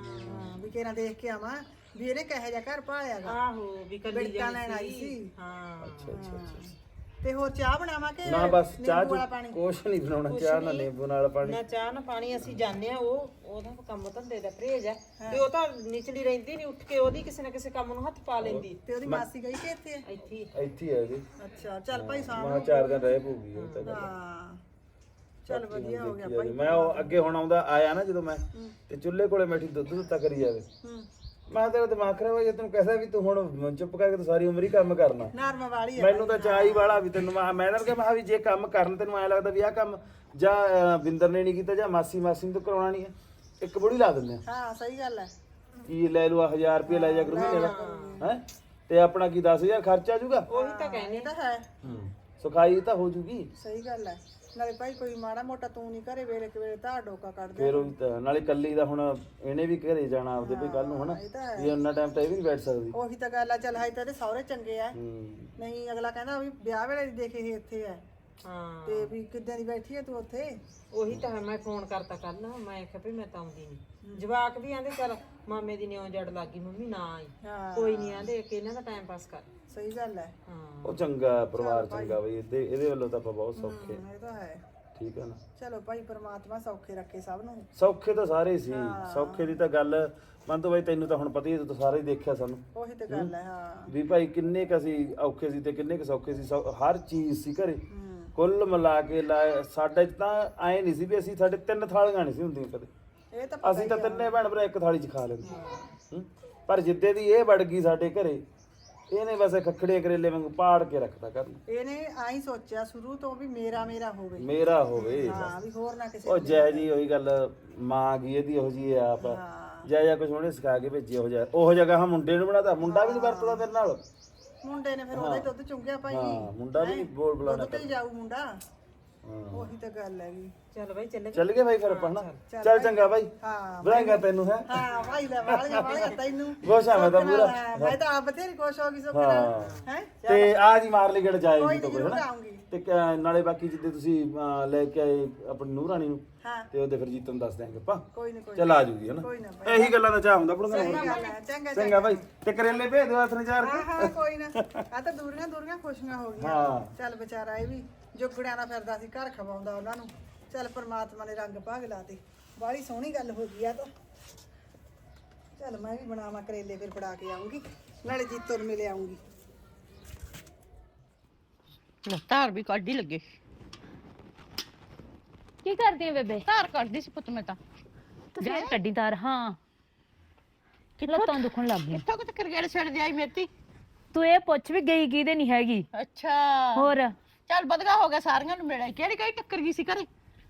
[SPEAKER 7] ਹਾਂ ਵੀ ਕਿਹਨਾਂ ਦੇਖ ਕੇ ਆਵਾਂ ਵੀ ਇਹਨੇ ਕਹੇ ਜਾ ਘਰ ਪਾਲਿਆਗਾ।
[SPEAKER 5] ਆਹੋ ਵੀ ਕੱਲੀ
[SPEAKER 7] ਬਿੜਕਾਂ ਲੈਣ ਆਈ ਸੀ।
[SPEAKER 5] ਹਾਂ
[SPEAKER 3] ਅੱਛਾ ਅੱਛਾ ਅੱਛਾ।
[SPEAKER 7] ਤੇ ਹੋਰ ਚਾਹ ਬਣਾਵਾਂ ਕਿ
[SPEAKER 3] ਨਾ ਬਸ ਚਾਹ
[SPEAKER 7] ਨਿੰਬੂ ਵਾਲਾ ਪਾਣੀ?
[SPEAKER 3] ਕੁਛ ਨਹੀਂ ਬਣਾਉਣਾ, ਚਾਹ ਨਾ ਨਿੰਬੂ ਨਾਲ ਪਾਣੀ।
[SPEAKER 5] ਨਾ ਚਾਹ ਨਾ ਪਾਣੀ। ਅਸੀਂ ਜਾਣਦੇ ਆ, ਉਹਦਾ ਕੰਮ ਧੰਦੇ ਦਾ ਪਰਹੇਜ ਆ, ਤੇ ਉਹ ਤਾਂ ਨਿਚਲੀ ਰਹਿੰਦੀ ਨਹੀਂ, ਉੱਠ ਕੇ ਉਹਦੀ ਕਿਸੇ ਨਾ ਕਿਸੇ ਕੰਮ ਨੂੰ ਹੱਥ ਪਾ ਲੈਂਦੀ।
[SPEAKER 7] ਤੇ ਉਹਦੀ ਮਾਸੀ ਗਈ ਕਿ ਇੱਥੇ ਹੈ?
[SPEAKER 5] ਇੱਥੇ ਹੀ।
[SPEAKER 3] ਇੱਥੇ ਹੀ ਹੈ ਜੀ।
[SPEAKER 7] ਅੱਛਾ ਚੱਲ ਭਾਈ ਸਾਹਮਣੇ।
[SPEAKER 3] ਮੈਂ 4 ਦਿਨ ਰਹਿ ਪਊਗੀ ਉਹ ਤਾਂ ਗੱਲ।
[SPEAKER 7] ਹਾਂ ਚੱਲ ਵਧੀਆ ਹੋ ਗਿਆ
[SPEAKER 3] ਦੇਖੀ
[SPEAKER 7] ਭਾਈ।
[SPEAKER 3] ਜਾਵੇ। ਮੈਂ ਉਹ ਅੱਗੇ ਹੁਣ ਆਉਂਦਾ ਆਇਆ ਨਾ ਜਦੋਂ ਮੈਂ, ਤੇ ਚੁੱਲ੍ਹੇ ਕੋਲੇ ਬੈਠੀ ਦੁੱਧ ਦਿੱਤਾ ਕਰੀ ਜਾਵੇ, ਮੈਂ ਤੇਰਾ ਦਿਮਾਗ ਖਰਾਬ ਹੋ ਗਿਆ। ਤੈਨੂੰ ਕਹਿਦਾ ਵੀ ਤੂੰ ਹੁਣ ਚੁੱਪ ਕਰਕੇ ਤੂੰ ਸਾਰੀ ਉਮਰ ਹੀ ਕੰਮ ਕਰਨਾ।
[SPEAKER 7] ਨਰਮ ਵਾਲੀ ਹੈ
[SPEAKER 3] ਮੈਨੂੰ ਤਾਂ ਚਾਹੀ ਵਾਲਾ ਵੀ ਤੈਨੂੰ ਮੈਂ ਤਾਂ ਕਿਹਾ ਵੀ ਜੇ ਕੰਮ ਕਰਨ ਤੈਨੂੰ ਐ ਲੱਗਦਾ ਵੀ ਆਹ ਕੰਮ ਜਾਂ ਬਿੰਦਰ ਨੇ ਨਹੀਂ ਕੀਤਾ ਜਾਂ ਮਾਸੀ ਨੂੰ ਤਾਂ ਕਰਾਉਣਾ ਨਹੀਂ ਹੈ, ਇੱਕ ਬੁੜੀ ਲਾ ਦਿੰਦੇ ਆ।
[SPEAKER 7] ਹਾਂ ਸਹੀ ਗੱਲ ਹੈ।
[SPEAKER 3] ਕੀ ਲੈ ਲੂ 1000 ਰੁਪਏ ਲੈ ਜਾ ਕਰੂ ਮਹੀਨੇ ਦਾ, ਹੈ ਤੇ ਆਪਣਾ ਕੀ 10000 ਖਰਚ ਆ ਜਾਊਗਾ।
[SPEAKER 5] ਉਹੀ ਤਾਂ ਕਹਿੰਦੇ
[SPEAKER 7] ਤਾਂ ਹੈ
[SPEAKER 3] ਸੁਖਾਈ ਤਾਂ ਹੋ ਜੂਗੀ।
[SPEAKER 7] ਸਹੀ ਗੱਲ ਹੈ। ਨਾਲੇ ਭਾਈ ਕੋਈ ਮਾੜਾ ਮੋਟਾ ਤੂੰ ਨਹੀਂ ਘਰੇ ਵੇਲੇ ਕਿ ਵੇਲੇ ਤਾਂ ਡੋਕਾ ਕੱਢ ਦੇ।
[SPEAKER 3] ਫਿਰ ਉਹ ਤਾਂ ਨਾਲੇ ਕੱਲੀ ਦਾ ਹੁਣ ਇਹਨੇ ਵੀ ਘਰੇ ਜਾਣਾ ਆਪਦੇ ਵੀ ਕੱਲ ਨੂੰ ਹਨਾ, ਵੀ ਉਹਨਾਂ ਟਾਈਮ ਤਾਂ ਇਹ ਵੀ ਨਹੀਂ ਬੈਠ ਸਕਦੀ।
[SPEAKER 7] ਉਹੀ ਤਾਂ ਗੱਲ ਆ। ਚੱਲ ਹਾਈ ਤਾਂ ਇਹਦੇ ਸਹੁਰੇ ਚੰਗੇ ਆ, ਨਹੀਂ ਅਗਲਾ ਕਹਿੰਦਾ ਵੀ ਵਿਆਹ ਵੇਲੇ ਦੀ ਦੇਖੇ ਇਹ ਇੱਥੇ ਹੈ,
[SPEAKER 5] ਹਾਂ
[SPEAKER 7] ਤੇ ਵੀ ਕਿੱਦਾਂ ਦੀ ਬੈਠੀ ਐ ਤੂੰ ਉੱਥੇ?
[SPEAKER 5] ਉਹੀ ਤਾਂ ਹੈ, ਮੈਂ ਫੋਨ ਕਰਤਾ ਕੱਲ, ਮੈਂ ਕਿਹਾ ਵੀ ਮੈਂ ਤਾਂ ਆਉਂਦੀ ਨਹੀਂ। ਜਵਾਕ ਵੀ ਆਂਦੇ ਚੱਲ ਮਾਮੇ ਦੀ ਨਿਉ ਜੜ ਲੱਗੀ ਮੰਮੀ ਨਾ ਆਈ,
[SPEAKER 7] ਹਾਂ
[SPEAKER 5] ਕੋਈ ਨਹੀਂ ਆਂਦੇ ਕਿ ਇਹਨਾਂ ਦਾ ਟਾਈਮ ਪਾਸ ਕਰ।
[SPEAKER 7] ਸਹੀ ਗੱਲ ਹੈ।
[SPEAKER 5] ਹਾਂ
[SPEAKER 3] ਉਹ ਚੰਗਾ ਪਰਿਵਾਰ ਚੰਗਾ ਬਈ, ਇਹਦੇ ਵੱਲੋਂ ਤਾਂ ਆਪਾਂ ਬਹੁਤ ਸੌਖੇ।
[SPEAKER 7] ਇਹ ਤਾਂ ਹੈ।
[SPEAKER 3] ਠੀਕ ਹੈ ਨਾ,
[SPEAKER 7] ਚਲੋ ਭਾਈ ਪ੍ਰਮਾਤਮਾ ਸੌਖੇ ਰੱਖੇ ਸਭ ਨੂੰ।
[SPEAKER 3] ਸੌਖੇ ਤਾਂ ਸਾਰੇ ਸੀ, ਸੌਖੇ ਦੀ ਤਾਂ ਗੱਲ ਮਨ ਤੋਂ ਬਾਈ ਤੈਨੂੰ ਤਾਂ ਹੁਣ ਪਤਾ ਹੀ ਹੈ, ਤੂੰ ਤਾਂ ਸਾਰਾ ਹੀ ਦੇਖਿਆ ਸਾਨੂੰ
[SPEAKER 7] ਉਹੀ ਤਾਂ ਗੱਲ ਹੈ। ਹਾਂ
[SPEAKER 3] ਵੀ ਭਾਈ ਕਿੰਨੇ ਕ ਅਸੀਂ ਔਖੇ ਸੀ ਤੇ ਕਿੰਨੇ ਕ ਸੌਖੇ ਸੀ, ਹਰ ਚੀਜ਼ ਸੀ ਘਰੇ। ਕੁੱਲ ਮਿਲਾ ਕੇ ਸਾਡੇ 'ਚ ਤਾਂ ਐ ਨਹੀਂ ਸੀ ਵੀ ਅਸੀਂ ਸਾਡੇ 3 ਥਾਲੀਆਂ ਨਹੀਂ ਸੀ ਹੁੰਦੀਆਂ ਕਦੇ,
[SPEAKER 7] ਇਹ ਤਾਂ
[SPEAKER 3] ਅਸੀਂ ਤਾਂ ਤਿੰਨੇ ਭੈਣ ਭਰਾ ਇੱਕ ਥਾਲੀ 'ਚ ਖਾ ਲੈਂਦੇ। ਪਰ ਜਿੱਦੇ ਦੀ ਇਹ ਵੜ ਗਈ ਸਾਡੇ ਘਰੇ, ਇਹਨੇ ਬਸ ਖੱਖੜੇ ਕਰੇਲੇ ਵਾਂਗੂ ਪਾੜ ਕੇ ਰੱਖਤਾ ਘਰ ਨੂੰ।
[SPEAKER 7] ਇਹਨੇ ਆਈ ਸੋਚਿਆ ਸ਼ੁਰੂ ਤੋਂ ਵੀ ਮੇਰਾ ਹੋਵੇ।
[SPEAKER 3] ਮੇਰਾ ਹੋਵੇ
[SPEAKER 7] ਹਾਂ ਵੀ ਹੋਰ ਨਾ ਕਿਸੇ
[SPEAKER 3] ਉਹ ਜੈ ਜੀ, ਉਹੀ ਗੱਲ ਮਾਂ ਗਈ ਇਹਦੀ ਉਹੋ ਜੀ ਆਪ ਜੈ ਕੁਝ ਉਹਨੇ ਸਿਖਾ ਕੇ ਭੇਜੀ, ਉਹ ਜਗ੍ਹਾ ਮੁੰਡੇ ਨੂੰ ਬਣਾਤਾ, ਮੁੰਡਾ ਵੀ ਨਹੀਂ ਵਰਤਦਾ ਤੇਰੇ ਨਾਲ।
[SPEAKER 7] ਮੁੰਡੇ ਨੇ ਫਿਰ ਉਹਦੇ ਦੁੱਧ ਚੁੰਗਿਆ ਭਾਈ।
[SPEAKER 3] ਹਾਂ ਮੁੰਡਾ ਵੀ ਬੋਲ ਬੁਲਾਣਾ
[SPEAKER 7] ਦੁੱਧ ਤੇ ਹੀ ਜਾਊ ਮੁੰਡਾ। ਉਹੀ ਤਾਂ ਗੱਲ ਹੈਗੀ।
[SPEAKER 5] ਚੱਲ ਬਾਈ ਚੱਲੇ।
[SPEAKER 3] ਚੱਲ ਗਏ ਬਾਈ ਫਿਰ ਆਪਾਂ ਹਨਾ। ਚੱਲ ਚੰਗਾ ਬਾਈ,
[SPEAKER 7] ਹਾਂ
[SPEAKER 3] ਵਧਾਈਆਂ ਤੈਨੂੰ ਹੈ।
[SPEAKER 7] ਹਾਂ ਭਾਈ ਲੈ ਵਾਲੀਆਂ ਤੈਨੂੰ।
[SPEAKER 3] ਖੁਸ਼ ਆ ਮੈਂ ਤਾਂ ਪੂਰਾ।
[SPEAKER 7] ਮੈਂ ਤਾਂ ਆਪ ਬਥੇਰੀ ਖੁਸ਼ ਹੋ ਗਈ ਸੁੱਖ ਨਾਲ ਹੈ।
[SPEAKER 3] ਤੇ ਆ ਜੀ ਮਾਰ ਲਈ ਗੜ ਜਾਏ
[SPEAKER 7] ਕੋਈ
[SPEAKER 3] ਜੀ ਤੋਂ
[SPEAKER 7] ਨਹੀਂ
[SPEAKER 3] ਕੋਈ
[SPEAKER 7] ਜ਼ਰੂਰ
[SPEAKER 3] ਹਨਾ।
[SPEAKER 7] ਆਉਂਗੀ।
[SPEAKER 3] ਤੇ ਨਾਲੇ ਬਾਕੀ ਜਿੱਦੇ ਤੁਸੀਂ ਲੈ ਕੇ ਆਏ ਆਪਣੀ ਨੂੰਹ ਰਾਣੀ ਨੂੰ,
[SPEAKER 7] ਹਾਂ
[SPEAKER 3] ਤੇ ਉਹਦੇ ਫਿਰ ਜੀਤਨ ਦੱਸ ਦਿਆਂਗੇ ਆਪਾਂ।
[SPEAKER 7] ਕੋਈ ਨਾ ਕੋਈ
[SPEAKER 3] ਚੱਲ ਆ ਜੂਗੀ ਹਨਾ।
[SPEAKER 7] ਕੋਈ ਨਾ
[SPEAKER 3] ਇਹੀ ਗੱਲਾਂ ਦਾ ਚਾਹ ਹੁੰਦਾ ਬੁੜਗਾ।
[SPEAKER 7] ਸਹੀ ਗੱਲ ਹੈ। ਚੰਗਾ
[SPEAKER 3] ਚੰਗਾ ਬਾਈ, ਤੇ ਕਰੇਲੇ ਭੇਜ ਦਿਓ ਹੱਥ ਨੇ ਚਾਰ ਕੇ।
[SPEAKER 7] ਹਾਂ ਕੋਈ ਨਾ। ਆ ਤਾਂ ਦੂਰੀਆਂ ਖੁਸ਼ੀਆਂ ਹੋ ਗਈਆਂ।
[SPEAKER 3] ਹਾਂ
[SPEAKER 7] ਚੱਲ ਵਿਚਾਰਾ ਇਹ ਵੀ ਜੁਗੜਿਆਂ ਨਾਲ ਫਿਰਦਾ ਸੀ, ਘਰ ਖਵਾਉਂਦਾ ਉਹਨਾਂ ਨੂੰ। ਚੱਲ ਪਰਮਾਤਮਾ ਨੇ ਰੰਗ ਭਾਗ ਲਾਤੇ। ਬਾਹਲੀ ਸੋਹਣੀ ਗੱਲ ਹੋ ਗਈ ਆ ਤਾਂ। ਚੱਲ ਮੈਂ ਵੀ ਬਣਾਵਾਂ ਕਰੇਲੇ, ਫਿਰ ਫੜਾ ਕੇ ਆਉਂਗੀ, ਨਾਲੇ ਜੀਤੋ ਨੂੰ ਮਿਲ ਆਉਂਗੀ।
[SPEAKER 8] ਧਾਰ ਵੀ ਕੱਢ ਹੀ ਲੱਗੇ।
[SPEAKER 9] ਕੀ ਕਰਦੀ ਹੈ ਬੇਬੇ?
[SPEAKER 8] ਧਾਰ ਕੱਢਦੀ ਸੀ ਪੁੱਤ ਮੈਂ ਤਾਂ।
[SPEAKER 9] ਜਾ ਕੱਢੀ ਤਾਰ। ਹਾਂ ਲੱਤਾਂ ਦੁਖਣ ਲੱਗ ਗਈਆਂ।
[SPEAKER 8] ਕਿੱਥੋਂ ਕਿਤੇ ਕਰਗੇੜ ਛੱਡ ਆਈ ਮੇਤੀ।
[SPEAKER 9] ਤੂੰ ਇਹ ਪੁੱਛ ਵੀ ਗਈ ਕਿਹਦੇ ਨਹੀਂ ਹੈਗੀ।
[SPEAKER 8] ਅੱਛਾ
[SPEAKER 9] ਹੋਰ
[SPEAKER 8] ਚੱਲ ਬਦਗਾ ਹੋ ਗਿਆ, ਸਾਰੀਆਂ ਨੂੰ ਮਿਲਿਆ। ਕਿਹੜੀ ਕਿਹੜੀ ਟੱਕਰ ਗਈ ਸੀ ਘਰੇ?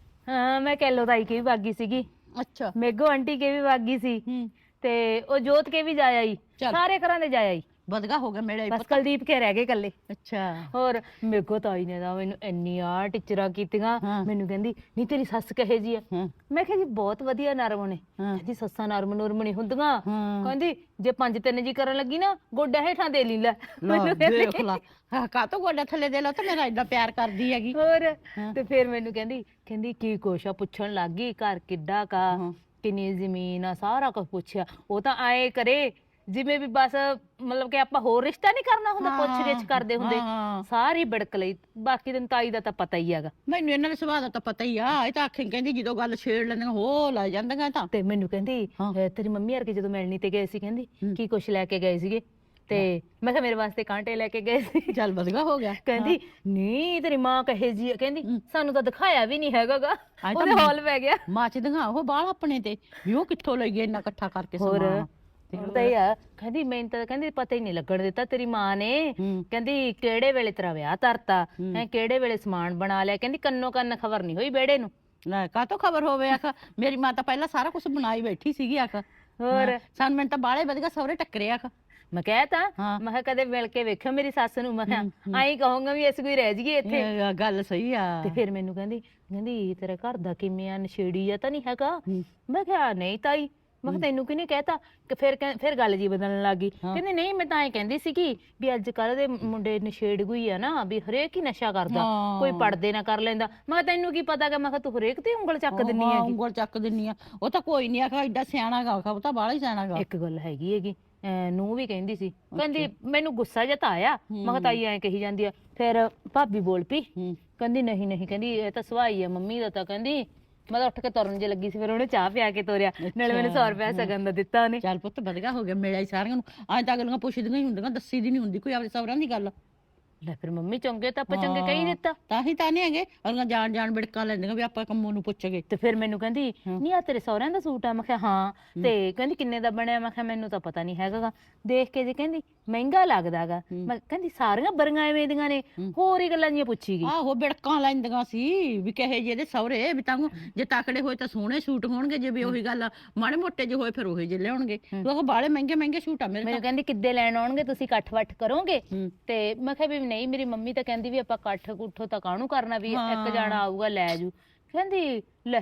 [SPEAKER 9] ਹਾਂ ਮੈਂ ਕੈਲੋ ਤਾਈ ਕੇ ਵੀ ਵਾਗੀ ਸੀਗੀ,
[SPEAKER 8] ਅੱਛਾ
[SPEAKER 9] ਮੇਗੋ ਆਂਟੀ ਕੇ ਵੀ ਵਾਗੀ ਸੀ,
[SPEAKER 8] ਹੂੰ
[SPEAKER 9] ਤੇ ਉਹ ਜੋਤ ਕੇ ਵੀ ਜਾ ਆਈ,
[SPEAKER 8] ਚੱਲ।
[SPEAKER 9] ਸਾਰੇ ਘਰਾਂ ਦੇ ਜਾ ਆਈ।
[SPEAKER 8] ਬਦਗਾ ਹੋ ਗਿਆ ਮਿਲਿਆ
[SPEAKER 9] ਬਸ ਕੁਲਦੀਪ ਕੇ ਰਹਿ ਗਏ ਕੱਲੇ।
[SPEAKER 8] ਅੱਛਾ
[SPEAKER 9] ਹੋਰ ਮੇਗੋ ਤਾਈ ਨੇ ਤਾਂ ਮੈਨੂੰ ਇੰਨੀ ਆ ਟੀਚਰਾਂ ਕੀਤੀਆਂ।
[SPEAKER 8] ਹਾਂ।
[SPEAKER 9] ਮੈਨੂੰ ਕਹਿੰਦੀ ਨਹੀਂ ਤੇਰੀ ਸੱਸ ਕਹੇ ਜੀ ਆ।
[SPEAKER 8] ਹਾਂ
[SPEAKER 9] ਮੈਂ ਕਿਹਾ ਜੀ ਬਹੁਤ ਵਧੀਆ ਨਰਮ ਨੇ।
[SPEAKER 8] ਹਾਂ।
[SPEAKER 9] ਕਹਿੰਦੀ ਸੱਸਾਂ ਨਰਮ ਨੁਰਮ ਨਹੀਂ ਹੁੰਦੀਆਂ।
[SPEAKER 8] ਹਾਂ।
[SPEAKER 9] ਕਹਿੰਦੀ ਜੇ 5-3 ਜੀ ਕਰਨ ਲੱਗੀ ਨਾ ਗੋਡਾ ਹੇਠਾਂ ਦੇ ਲਈ ਲੈ। ਮੈਨੂੰ
[SPEAKER 8] ਦੇਖ ਲਾ ਕਾਤੋਂ ਗੋਡਾ ਥੱਲੇ ਦੇ ਲੋ ਤੇ ਮੇਰਾ ਇੰਨਾ ਪਿਆਰ ਕਰਦੀ ਹੈਗੀ।
[SPEAKER 9] ਹੋਰ ਤੇ ਫਿਰ ਮੈਨੂੰ ਕਹਿੰਦੀ ਕੀ ਕੁਛ ਆ, ਪੁੱਛਣ ਲੱਗ ਗਈ ਘਰ ਕਿੱਡਾ ਕਾ, ਕਿੰਨੀ ਜ਼ਮੀਨ ਆ, ਸਾਰਾ ਕੁਝ ਪੁੱਛਿਆ। ਉਹ ਤਾਂ ਆਏ ਕਰੇ ਜਿਵੇਂ ਵੀ ਬਸ ਮਤਲਬ ਕਿ ਆਪਾਂ ਹੋਰ ਰਿਸ਼ਤਾ ਨਹੀਂ ਕਰਨਾ ਹੁੰਦਾ, ਪੁੱਛ ਗਿੱਛ ਕਰਦੇ ਹੁੰਦੇ। ਸਾਰੀ ਬਿੜਕ ਲਈ। ਬਾਕੀ ਤੈਨੂੰ ਤਾਈ ਦਾ ਤਾਂ ਪਤਾ ਹੀ ਹੈਗਾ।
[SPEAKER 8] ਮੈਨੂੰ ਇਹਨਾਂ ਦੇ ਸੁਭਾਅ ਦਾ ਤਾਂ ਪਤਾ ਹੀ ਆ। ਇਹ ਤਾਂ ਆਖੇ ਕਹਿੰਦੀ ਜਦੋਂ ਗੱਲ ਛੇੜ ਲੈਂਦੀਆਂ ਹੋ ਲੈ ਜਾਂਦੀਆਂ ਤਾਂ।
[SPEAKER 9] ਤੇ ਮੈਨੂੰ ਕਹਿੰਦੀ ਤੇਰੀ ਮੰਮੀ ਵਰਗੇ ਜਦੋਂ ਮਿਲਣੀ ਤੇ ਗਏ ਸੀ, ਕਹਿੰਦੀ ਕੀ ਕੁਛ ਲੈ ਕੇ ਗਏ ਸੀਗੇ? ਤੇ ਮੈਂ ਕਿਹਾ ਮੇਰੇ ਵਾਸਤੇ ਕਾਂਟੇ ਲੈ ਕੇ ਗਏ ਸੀ।
[SPEAKER 8] ਚੱਲ ਬਦਗਾ ਹੋ ਗਿਆ।
[SPEAKER 9] ਕਹਿੰਦੀ ਨਹੀਂ ਤੇਰੀ ਮਾਂ ਕਹੇ ਜੀ ਆ। ਕਹਿੰਦੀ ਸਾਨੂੰ ਤਾਂ ਦਿਖਾਇਆ ਵੀ ਨਹੀਂ ਹੈਗਾਗਾ, ਉਹਦੇ ਹੌਲ ਪੈ ਗਿਆ।
[SPEAKER 8] ਮੱਚਦੀਆਂ ਉਹ ਬਾਲ ਆਪਣੇ ਤੇ ਵੀ ਉਹ ਕਿੱਥੋਂ ਲਈ ਗਏ ਇੰਨਾ ਇਕੱਠਾ ਕਰਕੇ ਸਮਾਨ।
[SPEAKER 9] ਪਤਾ ਹੀ ਆ। ਕਹਿੰਦੀ ਮੈਨੂੰ ਤਾਂ ਕਹਿੰਦੀ ਪਤਾ ਹੀ ਨਹੀਂ ਲੱਗਣ ਦਿੱਤਾ ਤੇਰੀ ਮਾਂ ਨੇ। ਕਹਿੰਦੀ ਕਿਹੜੇ ਵੇਲੇ ਤੇਰਾ ਵਿਆਹ ਧਰਤਾ ਹੈ, ਕਿਹੜੇ ਵੇਲੇ ਸਮਾਨ ਬਣਾ ਲਿਆ। ਕਹਿੰਦੀ ਕੰਨੋ ਕੰਨ ਖਬਰ ਨਹੀਂ ਹੋਈ ਬੇੜੇ ਨੂੰ।
[SPEAKER 8] ਲੈ ਕਾਤੋਂ ਖਬਰ ਹੋਵੇ? ਆਖ ਮੇਰੀ ਮਾਂ ਤਾਂ ਪਹਿਲਾਂ ਸਾਰਾ ਕੁਝ ਬਣਾਈ ਬੈਠੀ ਸੀਗੀ। ਆਖ
[SPEAKER 9] ਹੋਰ
[SPEAKER 8] ਸਾਨੂੰ ਮੈਨੂੰ ਤਾਂ ਬਾਲੇ ਵਧੀਆ ਸਹੁਰੇ ਟੱਕਰੇ। ਆਖ
[SPEAKER 9] ਮੈਂ ਕਹਿਤਾ, ਮੈਂ ਕਿਹਾ ਕਦੇ ਮਿਲ ਕੇ ਵੇਖਿਓ ਮੇਰੀ ਸੱਸ ਨੂੰ। ਮੈਂ ਕਿਹਾ ਆਈ ਕਹੂੰਗਾ ਵੀ ਅਸੀਂ ਕੋਈ ਰਹਿ ਜਾਈਏ ਇੱਥੇ।
[SPEAKER 8] ਇਹ ਗੱਲ ਸਹੀ ਆ।
[SPEAKER 9] ਤੇ ਫਿਰ ਮੈਨੂੰ ਕਹਿੰਦੀ ਤੇਰੇ ਘਰ ਦਾ ਕਿਵੇਂ ਆ, ਨਸ਼ੇੜੀ ਆ ਤਾਂ ਨਹੀਂ ਹੈਗਾ? ਮੈਂ ਕਿਹਾ ਨਹੀਂ ਤਾਈ। ਮੈਂ ਕਿਹਾ ਤੈਨੂੰ ਕਿਹਨੇ ਕਹਿਤਾ? ਕਿ ਫਿਰ ਗੱਲ ਜੀ ਬਦਲਣ ਲੱਗੀ। ਕਹਿੰਦੀ ਨਹੀਂ ਮੈਂ ਤਾਂ ਐਂ ਕਹਿੰਦੀ ਸੀਗੀ ਵੀ ਅੱਜ ਕੱਲ ਦੇ ਮੁੰਡੇ ਨਸ਼ੇੜਗੂ ਆ ਨਾ, ਵੀ ਹਰੇਕ ਹੀ ਨਸ਼ਾ ਕਰਦਾ, ਕੋਈ ਪੜਦੇ ਨਾ ਕਰ ਲੈਂਦਾ। ਮੈਂ ਕਿਹਾ ਤੈਨੂੰ ਕੀ ਪਤਾ ਗਾ? ਮੈਂ ਕਿਹਾ ਤੂੰ ਹਰੇਕ ਤੇ ਉਂਗਲ ਚੱਕ ਦਿੰਨੀ ਆ।
[SPEAKER 8] ਉਂਗਲ ਚੱਕ ਦਿੰਨੀ ਆ। ਉਹ ਤਾਂ ਕੋਈ ਨਹੀਂ ਆਖਾ ਐਡਾ ਸਿਆਣਾ ਗਾ। ਉਹ ਤਾਂ ਬਾਹਲਾ ਹੀ ਸਿਆਣਾ ਗਾ।
[SPEAKER 9] ਇੱਕ ਗੱਲ ਹੈਗੀ ਨੂੰ ਵੀ ਕਹਿੰਦੀ ਸੀ, ਕਹਿੰਦੀ ਮੈਨੂੰ ਗੁੱਸਾ ਜਿਹਾ ਤਾਂ ਆਇਆ। ਮੈਂ ਕਿਹਾ ਤਾਈ ਐਂ ਕਹੀ ਜਾਂਦੀ ਆ। ਫਿਰ ਭਾਬੀ ਬੋਲ ਪਈ, ਕਹਿੰਦੀ ਨਹੀਂ ਕਹਿੰਦੀ ਇਹ ਤਾਂ ਸਵਾਈ ਆ ਮੰਮੀ ਦਾ। ਤਾਂ ਕਹਿੰਦੀ ਮੈਂ ਤਾਂ ਉੱਠ ਕੇ ਤੁਰਨ ਜੇ ਲੱਗੀ ਸੀ, ਫਿਰ ਉਹਨੇ ਚਾਹ ਪਿਆ ਕੇ ਤੋਰਿਆ, ਨਾਲੇ ਮੈਨੂੰ 100 ਰੁਪਇਆ ਸਗਨ ਦਾ ਦਿੱਤਾ ਉਹਨੇ।
[SPEAKER 8] ਚੱਲ ਪੁੱਤ ਵਧੀਆ ਹੋ ਗਿਆ, ਮਿਲਿਆ ਸਾਰਿਆਂ ਨੂੰ। ਅੱਜ ਤਾਂ ਅਗਲੀਆਂ ਪੁੱਛਦੀਆਂ ਹੀ ਹੁੰਦੀਆਂ, ਦੱਸੀ ਦੀ ਨਹੀਂ ਹੁੰਦੀ ਕੋਈ ਆਪਣੇ ਸਹੁਰਿਆਂ ਦੀ ਗੱਲ।
[SPEAKER 9] ਲੈ ਫਿਰ ਮੰਮੀ ਚੰਗੇ ਤਾਂ ਆਪਾਂ ਚੰਗੇ ਕਹੀ ਦਿੱਤਾ।
[SPEAKER 8] ਤਾਂ ਹੀ ਤਾਂ ਨਹੀਂ ਹੈਗੇ ਅਗਲੀਆਂ ਜਾਣ ਬਿੜਕਾਂ ਲੈਂਦੀਆਂ ਵੀ ਆਪਾਂ ਕੰਮੋਂ ਨੂੰ ਪੁੱਛ ਗਏ।
[SPEAKER 9] ਤੇ ਫਿਰ ਮੈਨੂੰ ਕਹਿੰਦੀ ਨਹੀਂ ਆ ਤੇਰੇ ਸਹੁਰਿਆਂ ਦਾ ਸੂਟ ਆ? ਮੈਂ ਕਿਹਾ ਹਾਂ। ਤੇ ਕਹਿੰਦੀ ਕਿੰਨੇ ਦਾ ਬਣਿਆ? ਮੈਂ ਕਿਹਾ ਮੈਨੂੰ ਤਾਂ ਪਤਾ ਨਹੀਂ ਹੈਗਾ। ਦੇਖ ਕੇ ਜੇ ਕਹਿੰਦੀ ਮਹਿੰਗਾ ਲੱਗਦਾਗਾ। ਮੈਂ ਕਹਿੰਦੀ ਸਾਰੀਆਂ ਬਰੀਆਂ ਐਵੇਂ ਦੀਆਂ ਨੇ, ਹੋਰ ਹੀ ਗੱਲਾਂ ਜੀਆਂ ਪੁੱਛੀ ਗਈ।
[SPEAKER 8] ਆਹੋ ਬਿੜਕਾਂ ਲੈਂਦੀਆਂ ਸੀ ਵੀ ਕਹੇ ਜੇ ਇਹਦੇ ਸਹੁਰੇ ਵੀ ਤਾਂ ਜੇ ਤਕੜੇ ਹੋਏ ਤਾਂ ਸੋਹਣੇ ਸੂਟ ਹੋਣਗੇ, ਜੇ ਵੀ ਉਹੀ ਗੱਲ ਮਾੜੇ ਮੋਟੇ ਜੇ ਹੋਏ ਫਿਰ ਉਹੀ ਜੇ ਲਿਆਉਣਗੇ। ਉਹ ਬਾਲੇ ਮਹਿੰਗੇ ਸੂਟ ਆ ਮੇਰੇ।
[SPEAKER 9] ਮੈਨੂੰ ਕਹਿੰਦੀ ਕਿੱਦੇ ਲੈਣ ਆਉਣਗੇ, ਤੁਸੀਂ ਇਕੱਠ ਵੱਠ ਕਰੋਗੇ? ਤੇ ਮੈਂ ਕਿਹਾ ਵੀ ਨਹੀਂ, ਮੇਰੀ ਮੰਮੀ ਤਾਂ ਕਹਿੰਦੀ ਵੀ ਆਪਾਂ ਇਕੱਠ ਕੁੱਠੋ ਤਾਂ ਕਾਹਨੂੰ ਕਰਨਾ, ਵੀ ਇੱਕ ਜਾਣਾ ਆਊਗਾ ਲੈ ਜੂ। ਕਹਿੰਦੀ ਲੈ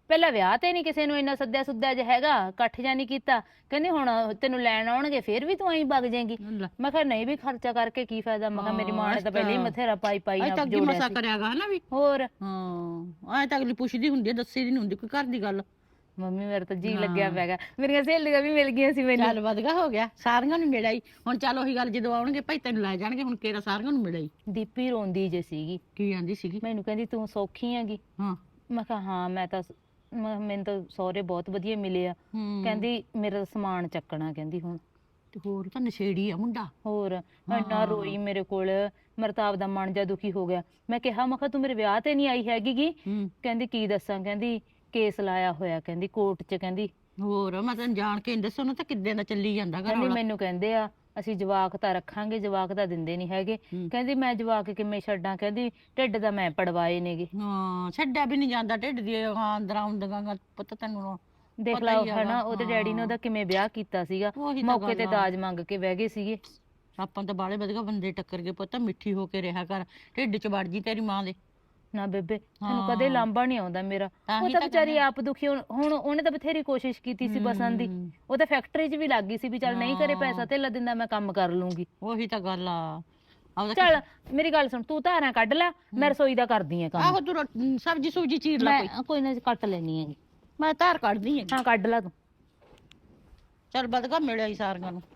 [SPEAKER 9] ਪਹਿਲਾਂ ਵਿਆਹ ਤੇ ਨਹੀਂ ਕਿਸੇ ਨੂੰ ਇੰਨਾ ਸੱਦਿਆ ਸੁੱਦਿਆ ਜਿਹਾ ਹੈਗਾ, ਇਕੱਠ ਜਾਂ ਨਹੀਂ ਕੀਤਾ। ਕਹਿੰਦੀ ਹੁਣ ਤੈਨੂੰ ਲੈਣ ਆਉਣਗੇ ਫੇਰ ਵੀ ਤੂੰ ਐਂ ਵਗ ਜਾਏਂਗੀ।
[SPEAKER 8] ਲੈ।
[SPEAKER 9] ਮੈਂ ਕਿਹਾ ਨਹੀਂ ਵੀ ਖਰਚਾ ਕਰਕੇ ਕੀ ਫਾਇਦਾ। ਮੈਂ ਕਿਹਾ ਮੇਰੀ ਮਾਂ ਨੇ ਤਾਂ ਪਹਿਲਾਂ ਹੀ ਬਥੇਰਾ ਪਾਈ
[SPEAKER 8] ਅਜੇ
[SPEAKER 9] ਨਾ
[SPEAKER 8] ਤੱਕ ਕੀ
[SPEAKER 9] ਜੋੜਿਆ
[SPEAKER 8] ਮਸਾ
[SPEAKER 9] ਸੀ।
[SPEAKER 8] ਕਰਿਆਗਾ ਹਨਾ ਵੀ।
[SPEAKER 9] ਹੋਰ
[SPEAKER 8] ਹਾਂ ਐ ਤਾਂ ਅਗਲੀ ਪੁੱਛਦੀ ਹੁੰਦੀ ਹੈ, ਦੱਸੀ ਦੀ ਨਹੀਂ ਹੁੰਦੀ ਕੋਈ ਘਰ ਦੀ ਗੱਲ।
[SPEAKER 9] ਮੰਮੀ ਮੇਰੇ ਤਾਂ ਜੀ ਲੱਗਿਆ ਪੈਗਾ। ਮੇਰੀਆਂ ਸਹੇਲੀਆਂ ਵੀ ਮਿਲ ਗਈਆਂ ਸੀ ਮੈਨੂੰ।
[SPEAKER 8] ਚੱਲ ਵਧਗਾ ਹੋ ਗਿਆ, ਸਾਰੀਆਂ ਨੂੰ ਮਿਲਾਈ। ਹੁਣ ਚੱਲ ਉਹੀ ਗੱਲ, ਜਦੋਂ ਆਉਣਗੇ ਭਾਈ ਤੈਨੂੰ ਲੈ ਜਾਣਗੇ, ਹੁਣ ਕਿਹੜਾ ਸਾਰੀਆਂ ਨੂੰ ਮਿਲਾਈ।
[SPEAKER 9] ਦੀਪੀ ਰੋਂਦੀ ਜੇ ਸੀਗੀ,
[SPEAKER 8] ਕੀ ਆਂਦੀ ਸੀਗੀ?
[SPEAKER 9] ਮੈਨੂੰ ਕਹਿੰਦੀ ਤੂੰ ਸੌਖੀ ਹੈਗੀ।
[SPEAKER 8] ਹਾਂ।
[SPEAKER 9] ਮੈਂ ਕਿਹਾ ਹਾਂ ਮੈਂ ਤਾਂ ਮੈਨੂੰ ਤਾਂ ਸਹੁਰੇ ਬਹੁਤ ਵਧੀਆ ਮਿਲੇ ਆ। ਕਹਿੰਦੀ ਮੇਰਾ ਸਮਾਨ ਚੱਕਣਾ, ਕਹਿੰਦੀ ਹੁਣ।
[SPEAKER 8] ਤੇ ਹੋਰ ਤਾਂ ਨਸ਼ੇੜੀ ਆ ਮੁੰਡਾ।
[SPEAKER 9] ਹੋਰ ਇੰਨਾ ਰੋਈ ਮੇਰੇ ਕੋਲ, ਮੇਰਾ ਤਾਂ ਆਪਦਾ ਮਨ ਜਾ ਦੁਖੀ ਹੋ ਗਿਆ। ਮੈਂ ਕਿਹਾ ਤੂੰ ਮੇਰੇ ਵਿਆਹ ਤੇ ਨਹੀਂ ਆਈ ਹੈਗੀ ਗੀ। ਕਹਿੰਦੀ ਕੀ ਦੱਸਾਂ, ਕਹਿੰਦੀ ਕੇਸ ਲਾਇਆ ਹੋਇਆ, ਕਹਿੰਦੀ ਕੋਰਟ 'ਚ। ਕਹਿੰਦੀ
[SPEAKER 8] ਹੋਰ ਮੈਂ ਤੈਨੂੰ ਜਾਣ ਕੇ ਦੱਸੋ ਨਾ, ਤਾਂ ਕਿੱਦਾਂ ਦਾ ਚੱਲੀ ਜਾਂਦਾ ਘਰ
[SPEAKER 9] ਕਹਿੰਦੀ
[SPEAKER 8] ਵਾਲਾ।
[SPEAKER 9] ਮੈਨੂੰ ਕਹਿੰਦੇ ਆ ਅਸੀਂ ਜਵਾਕ ਤਾਂ ਰੱਖਾਂਗੇ, ਜਵਾਕ ਤਾਂ ਦਿੰਦੇ ਨਹੀਂ ਹੈਗੇ। ਕਹਿੰਦੀ ਮੈਂ ਜਵਾਕ ਕਿਵੇਂ ਛੱਡਾਂ, ਕਹਿੰਦੀ ਢਿੱਡ ਦਾ ਮੈਂ ਪੜਵਾਏ ਨੇਗੇ।
[SPEAKER 8] ਹਾਂ ਛੱਡਿਆ ਵੀ ਨਹੀਂ ਜਾਂਦਾ ਢਿੱਡ ਦੀ ਅੰਦਰਾਂ ਹੁੰਦੀਆਂ ਪਤਾ ਤੈਨੂੰ।
[SPEAKER 9] ਦੇਖ ਲਾ ਹਨਾ ਉਹਦੇ ਡੈਡੀ ਨੇ ਉਹਦਾ ਕਿਵੇਂ ਵਿਆਹ ਕੀਤਾ ਸੀਗਾ,
[SPEAKER 8] ਉਹੀ ਤਾਂ
[SPEAKER 9] ਮੌਕੇ ਤੇ
[SPEAKER 8] ਗੱਲ ਆ।
[SPEAKER 9] ਦਾਜ ਮੰਗ ਕੇ ਬਹਿ ਗਏ ਸੀਗੇ।
[SPEAKER 8] ਆਪਾਂ ਤਾਂ ਬਾਲੇ ਵਧੀਆ ਬੰਦੇ ਟੱਕਰ ਗਏ ਪੁੱਤ, ਮਿੱਠੀ ਹੋ ਕੇ ਰਿਹਾ ਕਰ, ਢਿੱਡ 'ਚ ਵੜ ਜੀ ਤੇਰੀ ਮਾਂ ਦੇ।
[SPEAKER 9] ਨਾ ਬੇਬੇ ਤੈਨੂੰ ਕਦੇ ਲਾਂਭਾ ਨਹੀਂ ਆਉਂਦਾ ਮੇਰਾ।
[SPEAKER 8] ਤਾਂ
[SPEAKER 9] ਉਹ
[SPEAKER 8] ਹੀ
[SPEAKER 9] ਤਾਂ
[SPEAKER 8] ਤਾਂ
[SPEAKER 9] ਵਿਚਾਰੀ ਆਪ ਦੁਖੀ, ਹੁਣ ਉਹਨੇ ਤਾਂ ਬਥੇਰੀ ਕੋਸ਼ਿਸ਼ ਕੀਤੀ ਸੀ ਬਸਣ ਦੀ। ਉਹ ਤਾਂ ਫੈਕਟਰੀ 'ਚ ਵੀ ਲੱਗ ਗਈ ਸੀ ਵੀ ਚੱਲ ਨਹੀਂ ਕਰੇ ਪੈਸਾ ਧੇਲਾ ਦਿੰਦਾ ਮੈਂ ਕੰਮ ਕਰ ਲੂੰਗੀ।
[SPEAKER 8] ਉਹੀ ਤਾਂ ਗੱਲ ਆ। ਆਪਦਾ
[SPEAKER 9] ਚੱਲ ਮੇਰੀ ਗੱਲ ਸੁਣ, ਤੂੰ ਧਾਰਾਂ ਕੱਢ ਲੈ, ਮੈਂ ਰਸੋਈ ਦਾ ਕਰਦੀ ਆ ਕੰਮ।
[SPEAKER 8] ਆਹੋ ਤੂੰ ਸਬਜੀ ਸੁਬਜੀ ਚੀਰ ਲੈ ਕੋਈ।
[SPEAKER 9] ਮੈਂ ਕੋਈ ਨਾ ਕੱਟ ਲੈਣੀ ਹੈਗੀ।
[SPEAKER 8] ਮੈਂ ਧਾਰ ਕੱਢਦੀ ਆ।
[SPEAKER 9] ਹਾਂ ਕੱਢ ਲੈ ਤੂੰ।
[SPEAKER 8] ਚੱਲ ਵਧਗਾ ਮਿਲਿਆ ਹੀ ਸਾਰੀਆਂ ਨੂੰ।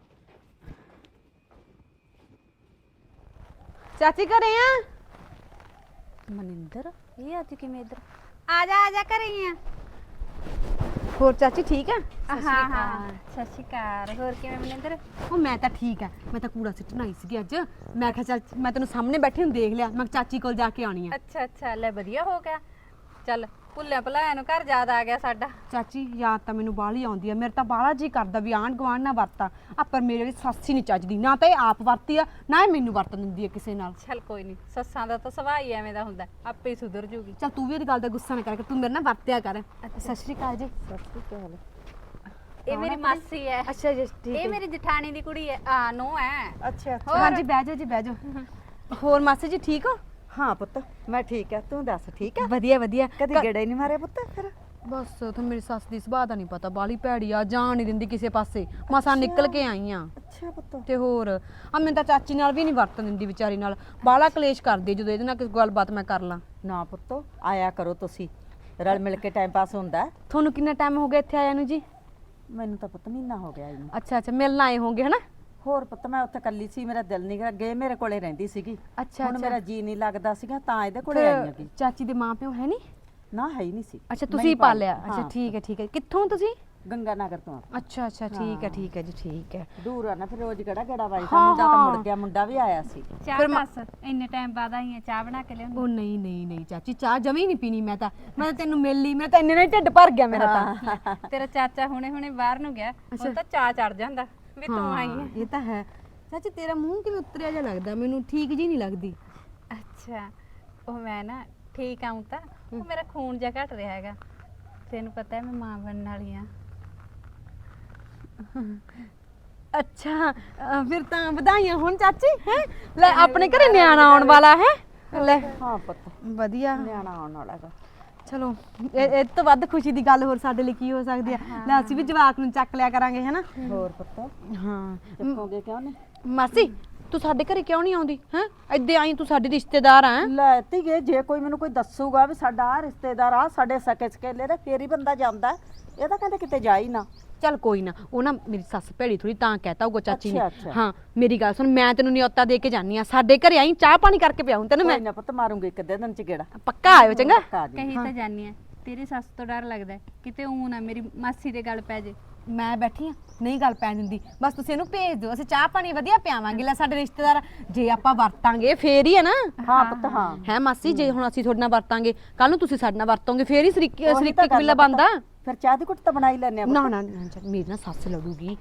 [SPEAKER 1] ਚਾਚੀ ਘਰੇ ਆ?
[SPEAKER 10] ਮਨਿੰਦਰ ਇਹ ਅੱਜ ਕਿਵੇਂ ਇੱਧਰ?
[SPEAKER 11] ਆ ਜਾ ਘਰੇ ਆ।
[SPEAKER 1] ਹੋਰ ਚਾਚੀ ਠੀਕ ਆ?
[SPEAKER 11] ਹਾਂ ਸਤਿ ਸ਼੍ਰੀ ਅਕਾਲ। ਹੋਰ ਕਿਵੇਂ ਮਨਿੰਦਰ?
[SPEAKER 10] ਉਹ ਮੈਂ ਤਾਂ ਠੀਕ ਆ, ਮੈਂ ਤਾਂ ਕੂੜਾ ਸਿੱਟਣ ਆਈ ਸੀਗੀ ਅੱਜ। ਮੈਂ ਕਿਹਾ ਚੱਲ ਮੈਂ ਤੈਨੂੰ ਸਾਹਮਣੇ ਬੈਠੀ ਨੂੰ ਦੇਖ ਲਿਆ, ਮੈਂ ਕਿਹਾ ਚਾਚੀ ਕੋਲ ਜਾ ਕੇ ਆਉਣੀ ਆ।
[SPEAKER 11] ਅੱਛਾ ਲੈ ਵਧੀਆ ਹੋ ਗਿਆ। ਚੱਲ ਭੁੱਲਿਆ ਭੁਲਾਇਆ ਨੂੰ ਘਰ ਯਾਦ ਆ ਗਿਆ ਸਾਡਾ।
[SPEAKER 10] ਚਾਚੀ ਯਾਦ ਤਾਂ ਮੈਨੂੰ ਬਾਹਲੀ ਆਉਂਦੀ ਆ, ਮੇਰੇ ਤਾਂ ਬਾਹਲਾ ਜੀ ਕਰਦਾ ਵੀ ਆਂਢ ਗੁਆਂਢ ਨਾ ਵਰਤਾਂ ਆ, ਪਰ ਮੇਰੇ ਵਿੱਚ ਸੱਸ ਹੀ ਨਹੀਂ ਚੱਜਦੀ, ਨਾ ਤਾਂ ਇਹ ਆਪ ਵਰਤੀ ਆ ਨਾ ਇਹ ਮੈਨੂੰ ਵਰਤਨ ਦਿੰਦੀ ਆ ਕਿਸੇ ਨਾਲ।
[SPEAKER 11] ਚੱਲ ਕੋਈ ਨਹੀਂ, ਸੱਸਾਂ ਦਾ ਤਾਂ ਸੁਭਾਅ ਹੀ ਐਵੇਂ ਦਾ ਹੁੰਦਾ, ਆਪੇ ਹੀ ਸੁਧਰ ਜੂਗੀ।
[SPEAKER 10] ਚੱਲ ਤੂੰ ਵੀ ਇਹਦੀ ਗੱਲ ਦਾ ਗੁੱਸਾ ਨਾ ਕਰ, ਤੂੰ ਮੇਰੇ ਨਾਲ ਵਰਤਿਆ ਕਰ। ਸਤਿ ਸ਼੍ਰੀ ਅਕਾਲ ਜੀ। ਸਤਿ ਸ਼੍ਰੀ ਅਕਾਲ।
[SPEAKER 11] ਇਹ ਮੇਰੀ ਮਾਸੀ ਹੈ।
[SPEAKER 10] ਅੱਛਾ ਜੀ ਠੀਕ
[SPEAKER 11] ਇਹ ਮੇਰੀ ਜਠਾਣੀ ਦੀ ਕੁੜੀ ਹੈ, ਨੂੰ ਹੈ।
[SPEAKER 1] ਅੱਛਾ
[SPEAKER 10] ਹਾਂਜੀ ਬਹਿ ਜਾਓ ਜੀ ਬਹਿ ਜਾਓ। ਹੋਰ ਮਾਸੀ ਜੀ ਠੀਕ ਹੋ?
[SPEAKER 1] ਹਾਂ ਪੁੱਤ ਮੈਂ ਠੀਕ ਆ, ਤੂੰ ਦੱਸ ਠੀਕ ਆ?
[SPEAKER 10] ਵਧੀਆ ਵਧੀਆ।
[SPEAKER 1] ਕਦੀ ਗੇੜਾ ਹੀ ਨਹੀਂ ਮਾਰਿਆ ਪੁੱਤ ਫਿਰ?
[SPEAKER 10] ਬਸ ਤੁਹਾਨੂੰ ਮੇਰੀ ਸੱਸ ਦੀ ਸੁਭਾਅ ਦਾ ਨਹੀਂ ਪਤਾ, ਬਾਲੀ ਭੈੜੀ ਆ, ਜਾਣ ਨਹੀਂ ਦਿੰਦੀ ਕਿਸੇ ਪਾਸੇ। ਮਸਾਂ ਨਿਕਲ ਕੇ ਆਈ ਆ।
[SPEAKER 1] ਅੱਛਾ ਪੁੱਤ।
[SPEAKER 10] ਤੇ ਹੋਰ ਆ ਮੈਨੂੰ ਤਾਂ ਚਾਚੀ ਨਾਲ ਵੀ ਨਹੀਂ ਵਰਤਨ ਦਿੰਦੀ ਵਿਚਾਰੀ ਨਾਲ, ਬਾਲਾ ਕਲੇਸ਼ ਕਰਦੀ ਜਦੋਂ ਇਹਦੇ ਨਾਲ ਕਿਸੇ ਗੱਲਬਾਤ ਮੈਂ ਕਰ ਲਾਂ।
[SPEAKER 6] ਨਾ ਪੁੱਤ ਆਇਆ ਕਰੋ ਤੁਸੀਂ, ਰਲ ਮਿਲ ਕੇ ਟਾਈਮ ਪਾਸ ਹੁੰਦਾ।
[SPEAKER 10] ਤੁਹਾਨੂੰ ਕਿੰਨਾ ਟਾਈਮ ਹੋ ਗਿਆ ਇੱਥੇ ਆਇਆ ਨੂੰ ਜੀ?
[SPEAKER 6] ਮੈਨੂੰ ਤਾਂ ਪੁੱਤ ਮਹੀਨਾ ਹੋ ਗਿਆ ਇਹਨੂੰ।
[SPEAKER 10] ਅੱਛਾ ਮਿਲਣ ਆਏ ਹੋਗੇ ਹਨਾ?
[SPEAKER 6] ਹੋਰ ਪੁੱਤ ਮੈਂ ਉੱਥੇ ਕੱਲੀ ਸੀ, ਮੇਰਾ ਦਿਲ ਨਹੀਂ ਅੱਗੇ ਮੇਰੇ ਕੋਲੇ ਰਹਿੰਦੀ ਸੀਗੀ।
[SPEAKER 10] ਅੱਛਾ
[SPEAKER 6] ਹੁਣ ਮੇਰਾ ਜੀ ਨਹੀਂ ਲੱਗਦਾ ਸੀਗਾ ਤਾਂ ਇਹਦੇ ਕੋਲੇ ਆਈ ਹੈਗੀ।
[SPEAKER 10] ਚਾਚੀ ਦੇ ਮਾਂ ਪਿਓ ਹੈ ਨਹੀਂ?
[SPEAKER 6] ਨਾ ਹੈ ਹੀ ਨਹੀਂ ਸੀ।
[SPEAKER 10] ਅੱਛਾ
[SPEAKER 6] ਮੈਂ
[SPEAKER 10] ਤੁਸੀਂ
[SPEAKER 6] ਹੀ
[SPEAKER 10] ਪਾਲਿਆ?
[SPEAKER 6] ਹਾਂ।
[SPEAKER 10] ਅੱਛਾ ਠੀਕ ਹੈ। ਕਿੱਥੋਂ ਤੁਸੀਂ?
[SPEAKER 6] ਗੰਗਾ ਨਗਰ ਤੋਂ ਆ।
[SPEAKER 10] ਅੱਛਾ ਠੀਕ ਹੈ ਜੀ ਠੀਕ ਹੈ।
[SPEAKER 6] ਦੂਰ ਆ ਨਾ, ਫਿਰ ਰੋਜ਼ ਕਿਹੜਾ ਗੇੜਾ ਵੱਜਦਾ। ਮੁੰਡਾ ਤਾਂ ਮੁੜ ਗਿਆ, ਮੁੰਡਾ ਵੀ ਆਇਆ ਸੀ।
[SPEAKER 11] ਚਾਹ ਬਸ ਇੰਨੇ ਟਾਈਮ ਬਾਅਦ ਆਈ ਆ, ਚਾਹ ਬਣਾ ਕੇ ਲਿਆਉਂਦੀ।
[SPEAKER 10] ਉਹ ਨਹੀਂ ਚਾਚੀ ਚਾਹ ਜਮੀ ਨਹੀਂ ਪੀਣੀ ਮੈਂ ਤਾਂ ਤੈਨੂੰ ਮਿਲ ਲਈ, ਮੇਰਾ ਤਾਂ ਇੰਨੇ ਨਾਲ ਢਿੱਡ ਭਰ ਗਿਆ ਮੇਰਾ ਤਾਂ।
[SPEAKER 11] ਤੇਰਾ ਚਾਚਾ ਹੁਣੇ ਬਾਹਰ ਨੂੰ ਗਿਆ, ਹੁਣ ਤਾਂ ਚਾਹ ਚੜ ਜਾਂਦਾ ਵੀ ਤੂੰ ਆਈ ਹੈ।
[SPEAKER 10] ਇਹ ਤਾਂ ਹੈ। ਚਾਚੀ ਤੇਰਾ ਮੂੰਹ ਕਿਵੇਂ ਉਤਰਿਆ ਜਿਹਾ ਲੱਗਦਾ, ਮੈਨੂੰ ਠੀਕ ਜੀ ਨਹੀਂ ਲੱਗਦੀ।
[SPEAKER 11] ਅੱਛਾ ਉਹ ਮੈਂ ਨਾ ਠੀਕ ਆਉਂ ਤਾਂ ਉਹ ਮੇਰਾ ਖੂਨ ਜਿਹਾ ਘਟ ਰਿਹਾ ਹੈਗਾ, ਤੈਨੂੰ ਪਤਾ ਹੈ ਮੈਂ ਮਾਂ ਬਣਨ ਵਾਲੀ ਆ।
[SPEAKER 10] ਅੱਛਾ ਫਿਰ ਤਾਂ ਵਧਾਈਆਂ ਹੁਣ ਚਾਚੀ। ਹੈ ਲੈ ਆਪਣੇ ਘਰੇ ਨਿਆਣਾ ਆਉਣ ਵਾਲਾ ਹੈ। ਲੈ
[SPEAKER 6] ਹਾਂ ਪੁੱਤ
[SPEAKER 10] ਵਧੀਆ,
[SPEAKER 6] ਨਿਆਣਾ ਆਉਣ ਵਾਲਾ ਗਾ।
[SPEAKER 10] ਚਲੋ ਇਹ ਤੋਂ ਵੱਧ ਖੁਸ਼ੀ ਦੀ ਗੱਲ ਹੋਰ ਸਾਡੇ ਲਈ ਕੀ ਹੋ ਸਕਦੀ ਆ। ਲੈ ਅਸੀਂ ਵੀ ਜਵਾਕ ਨੂੰ ਚੱਕ ਲਿਆ ਕਰਾਂਗੇ ਹਨਾ।
[SPEAKER 6] ਹੋਰ ਪੁੱਤ
[SPEAKER 10] ਹਾਂ
[SPEAKER 6] ਚੱਕੋਗੇ ਕਿਉਂ ਨੇ?
[SPEAKER 10] ਮਾਸੀ ਤੂੰ ਸਾਡੇ ਘਰੇ ਕਿਉਂ ਨਹੀਂ ਆਉਂਦੀ? ਹੈ ਇੱਦੇ ਆਈ, ਤੂੰ ਸਾਡੀ ਰਿਸ਼ਤੇਦਾਰ ਆ।
[SPEAKER 6] ਲੈ ਧੀਏ ਜੇ ਕੋਈ ਮੈਨੂੰ ਕੋਈ ਦੱਸੂਗਾ ਵੀ ਸਾਡਾ ਆ ਰਿਸ਼ਤੇਦਾਰ ਆ ਸਾਡੇ ਸਕੇ ਸਕੇਲੇ ਦਾ, ਫੇਰ ਹੀ ਬੰਦਾ ਜਾਂਦਾ। ਇਹ ਤਾਂ ਕਹਿੰਦੇ ਕਿਤੇ ਜਾ ਹੀ ਨਾ।
[SPEAKER 10] ਚੱਲ ਕੋਈ ਨਾ, ਉਹ ਨਾ ਮੇਰੀ ਸੱਸ ਭੈੜੀ ਥੋੜੀ ਤਾਂ ਕਹਿਤਾ ਹੋਊਗਾ ਚਾਚੀ ਨੇ।
[SPEAKER 6] ਅੱਛਾ।
[SPEAKER 10] ਹਾਂ ਮੇਰੀ ਗੱਲ ਸੁਣ, ਮੈਂ ਤੈਨੂੰ ਨਿਯੋਤਾ ਦੇ ਕੇ ਜਾਨੀ ਆ, ਸਾਡੇ ਘਰੇ ਆਈ, ਚਾਹ ਪਾਣੀ ਕਰਕੇ ਪਿਆਉਂ ਤੈਨੂੰ ਮੈਂ।
[SPEAKER 6] ਕੋਈ ਨਾ ਪੁੱਤ ਮਾਰੂੰਗੀ ਇੱਕ ਅੱਧੇ ਦਿਨ ਚ ਗੇੜਾ।
[SPEAKER 10] ਪੱਕਾ ਆਇਓ ਚੰਗਾ।
[SPEAKER 6] ਪੱਕਾ ਆ ਜਾਊਂ।
[SPEAKER 11] ਕਹੀ ਤਾਂ ਜਾਨੀ ਆ, ਤੇਰੀ ਸੱਸ ਤੋਂ ਡਰ ਲੱਗਦਾ ਹੈ, ਕਿਤੇ ਊਂ ਨਾ ਮੇਰੀ ਮਾਸੀ ਦੇ ਗੱਲ ਪੈ ਜੇ।
[SPEAKER 10] ਮੈਂ ਬੈਠੀ ਆ, ਨਹੀਂ ਗੱਲ ਪੈਣ ਦਿੰਦੀ, ਬਸ ਤੁਸੀਂ ਇਹਨੂੰ ਭੇਜ ਦਿਓ, ਅਸੀਂ ਚਾਹ ਪਾਣੀ ਵਧੀਆ ਪਿਆਵਾਂਗੇ। ਲੈ ਸਾਡੇ ਰਿਸ਼ਤੇਦਾਰ ਜੇ ਆਪਾਂ ਵਰਤਾਂਗੇ ਫੇਰ ਹੀ ਹੈ ਨਾ।
[SPEAKER 6] ਹਾਂ ਪੁੱਤ ਹਾਂ।
[SPEAKER 10] ਹੈ ਮਾਸੀ, ਜੇ ਹੁਣ ਅਸੀਂ ਤੁਹਾਡੇ ਨਾਲ ਵਰਤਾਂਗੇ, ਕੱਲ ਨੂੰ ਤੁਸੀਂ ਸਾਡੇ ਨਾਲ ਵਰਤੋਗੇ, ਫੇਰ ਹੀ
[SPEAKER 6] ਉਹੀ ਤਾਂ
[SPEAKER 10] ਸਰੀਕੀ
[SPEAKER 6] ਗੱਲ
[SPEAKER 10] ਕਬੀਲਾ
[SPEAKER 6] ਆ ਪੁੱਤ।
[SPEAKER 10] ਬਣਦਾ।
[SPEAKER 6] ਫਿਰ ਚਾਹ ਦੀ ਘੁੱਟ ਤਾਂ ਬਣਾ ਹੀ ਲੈਣੇ ਆ ਪੁੱਤ।
[SPEAKER 10] ਨਾ ਮੇਰੀ ਨਾ ਸੱਸ ਲੜੂਗੀ,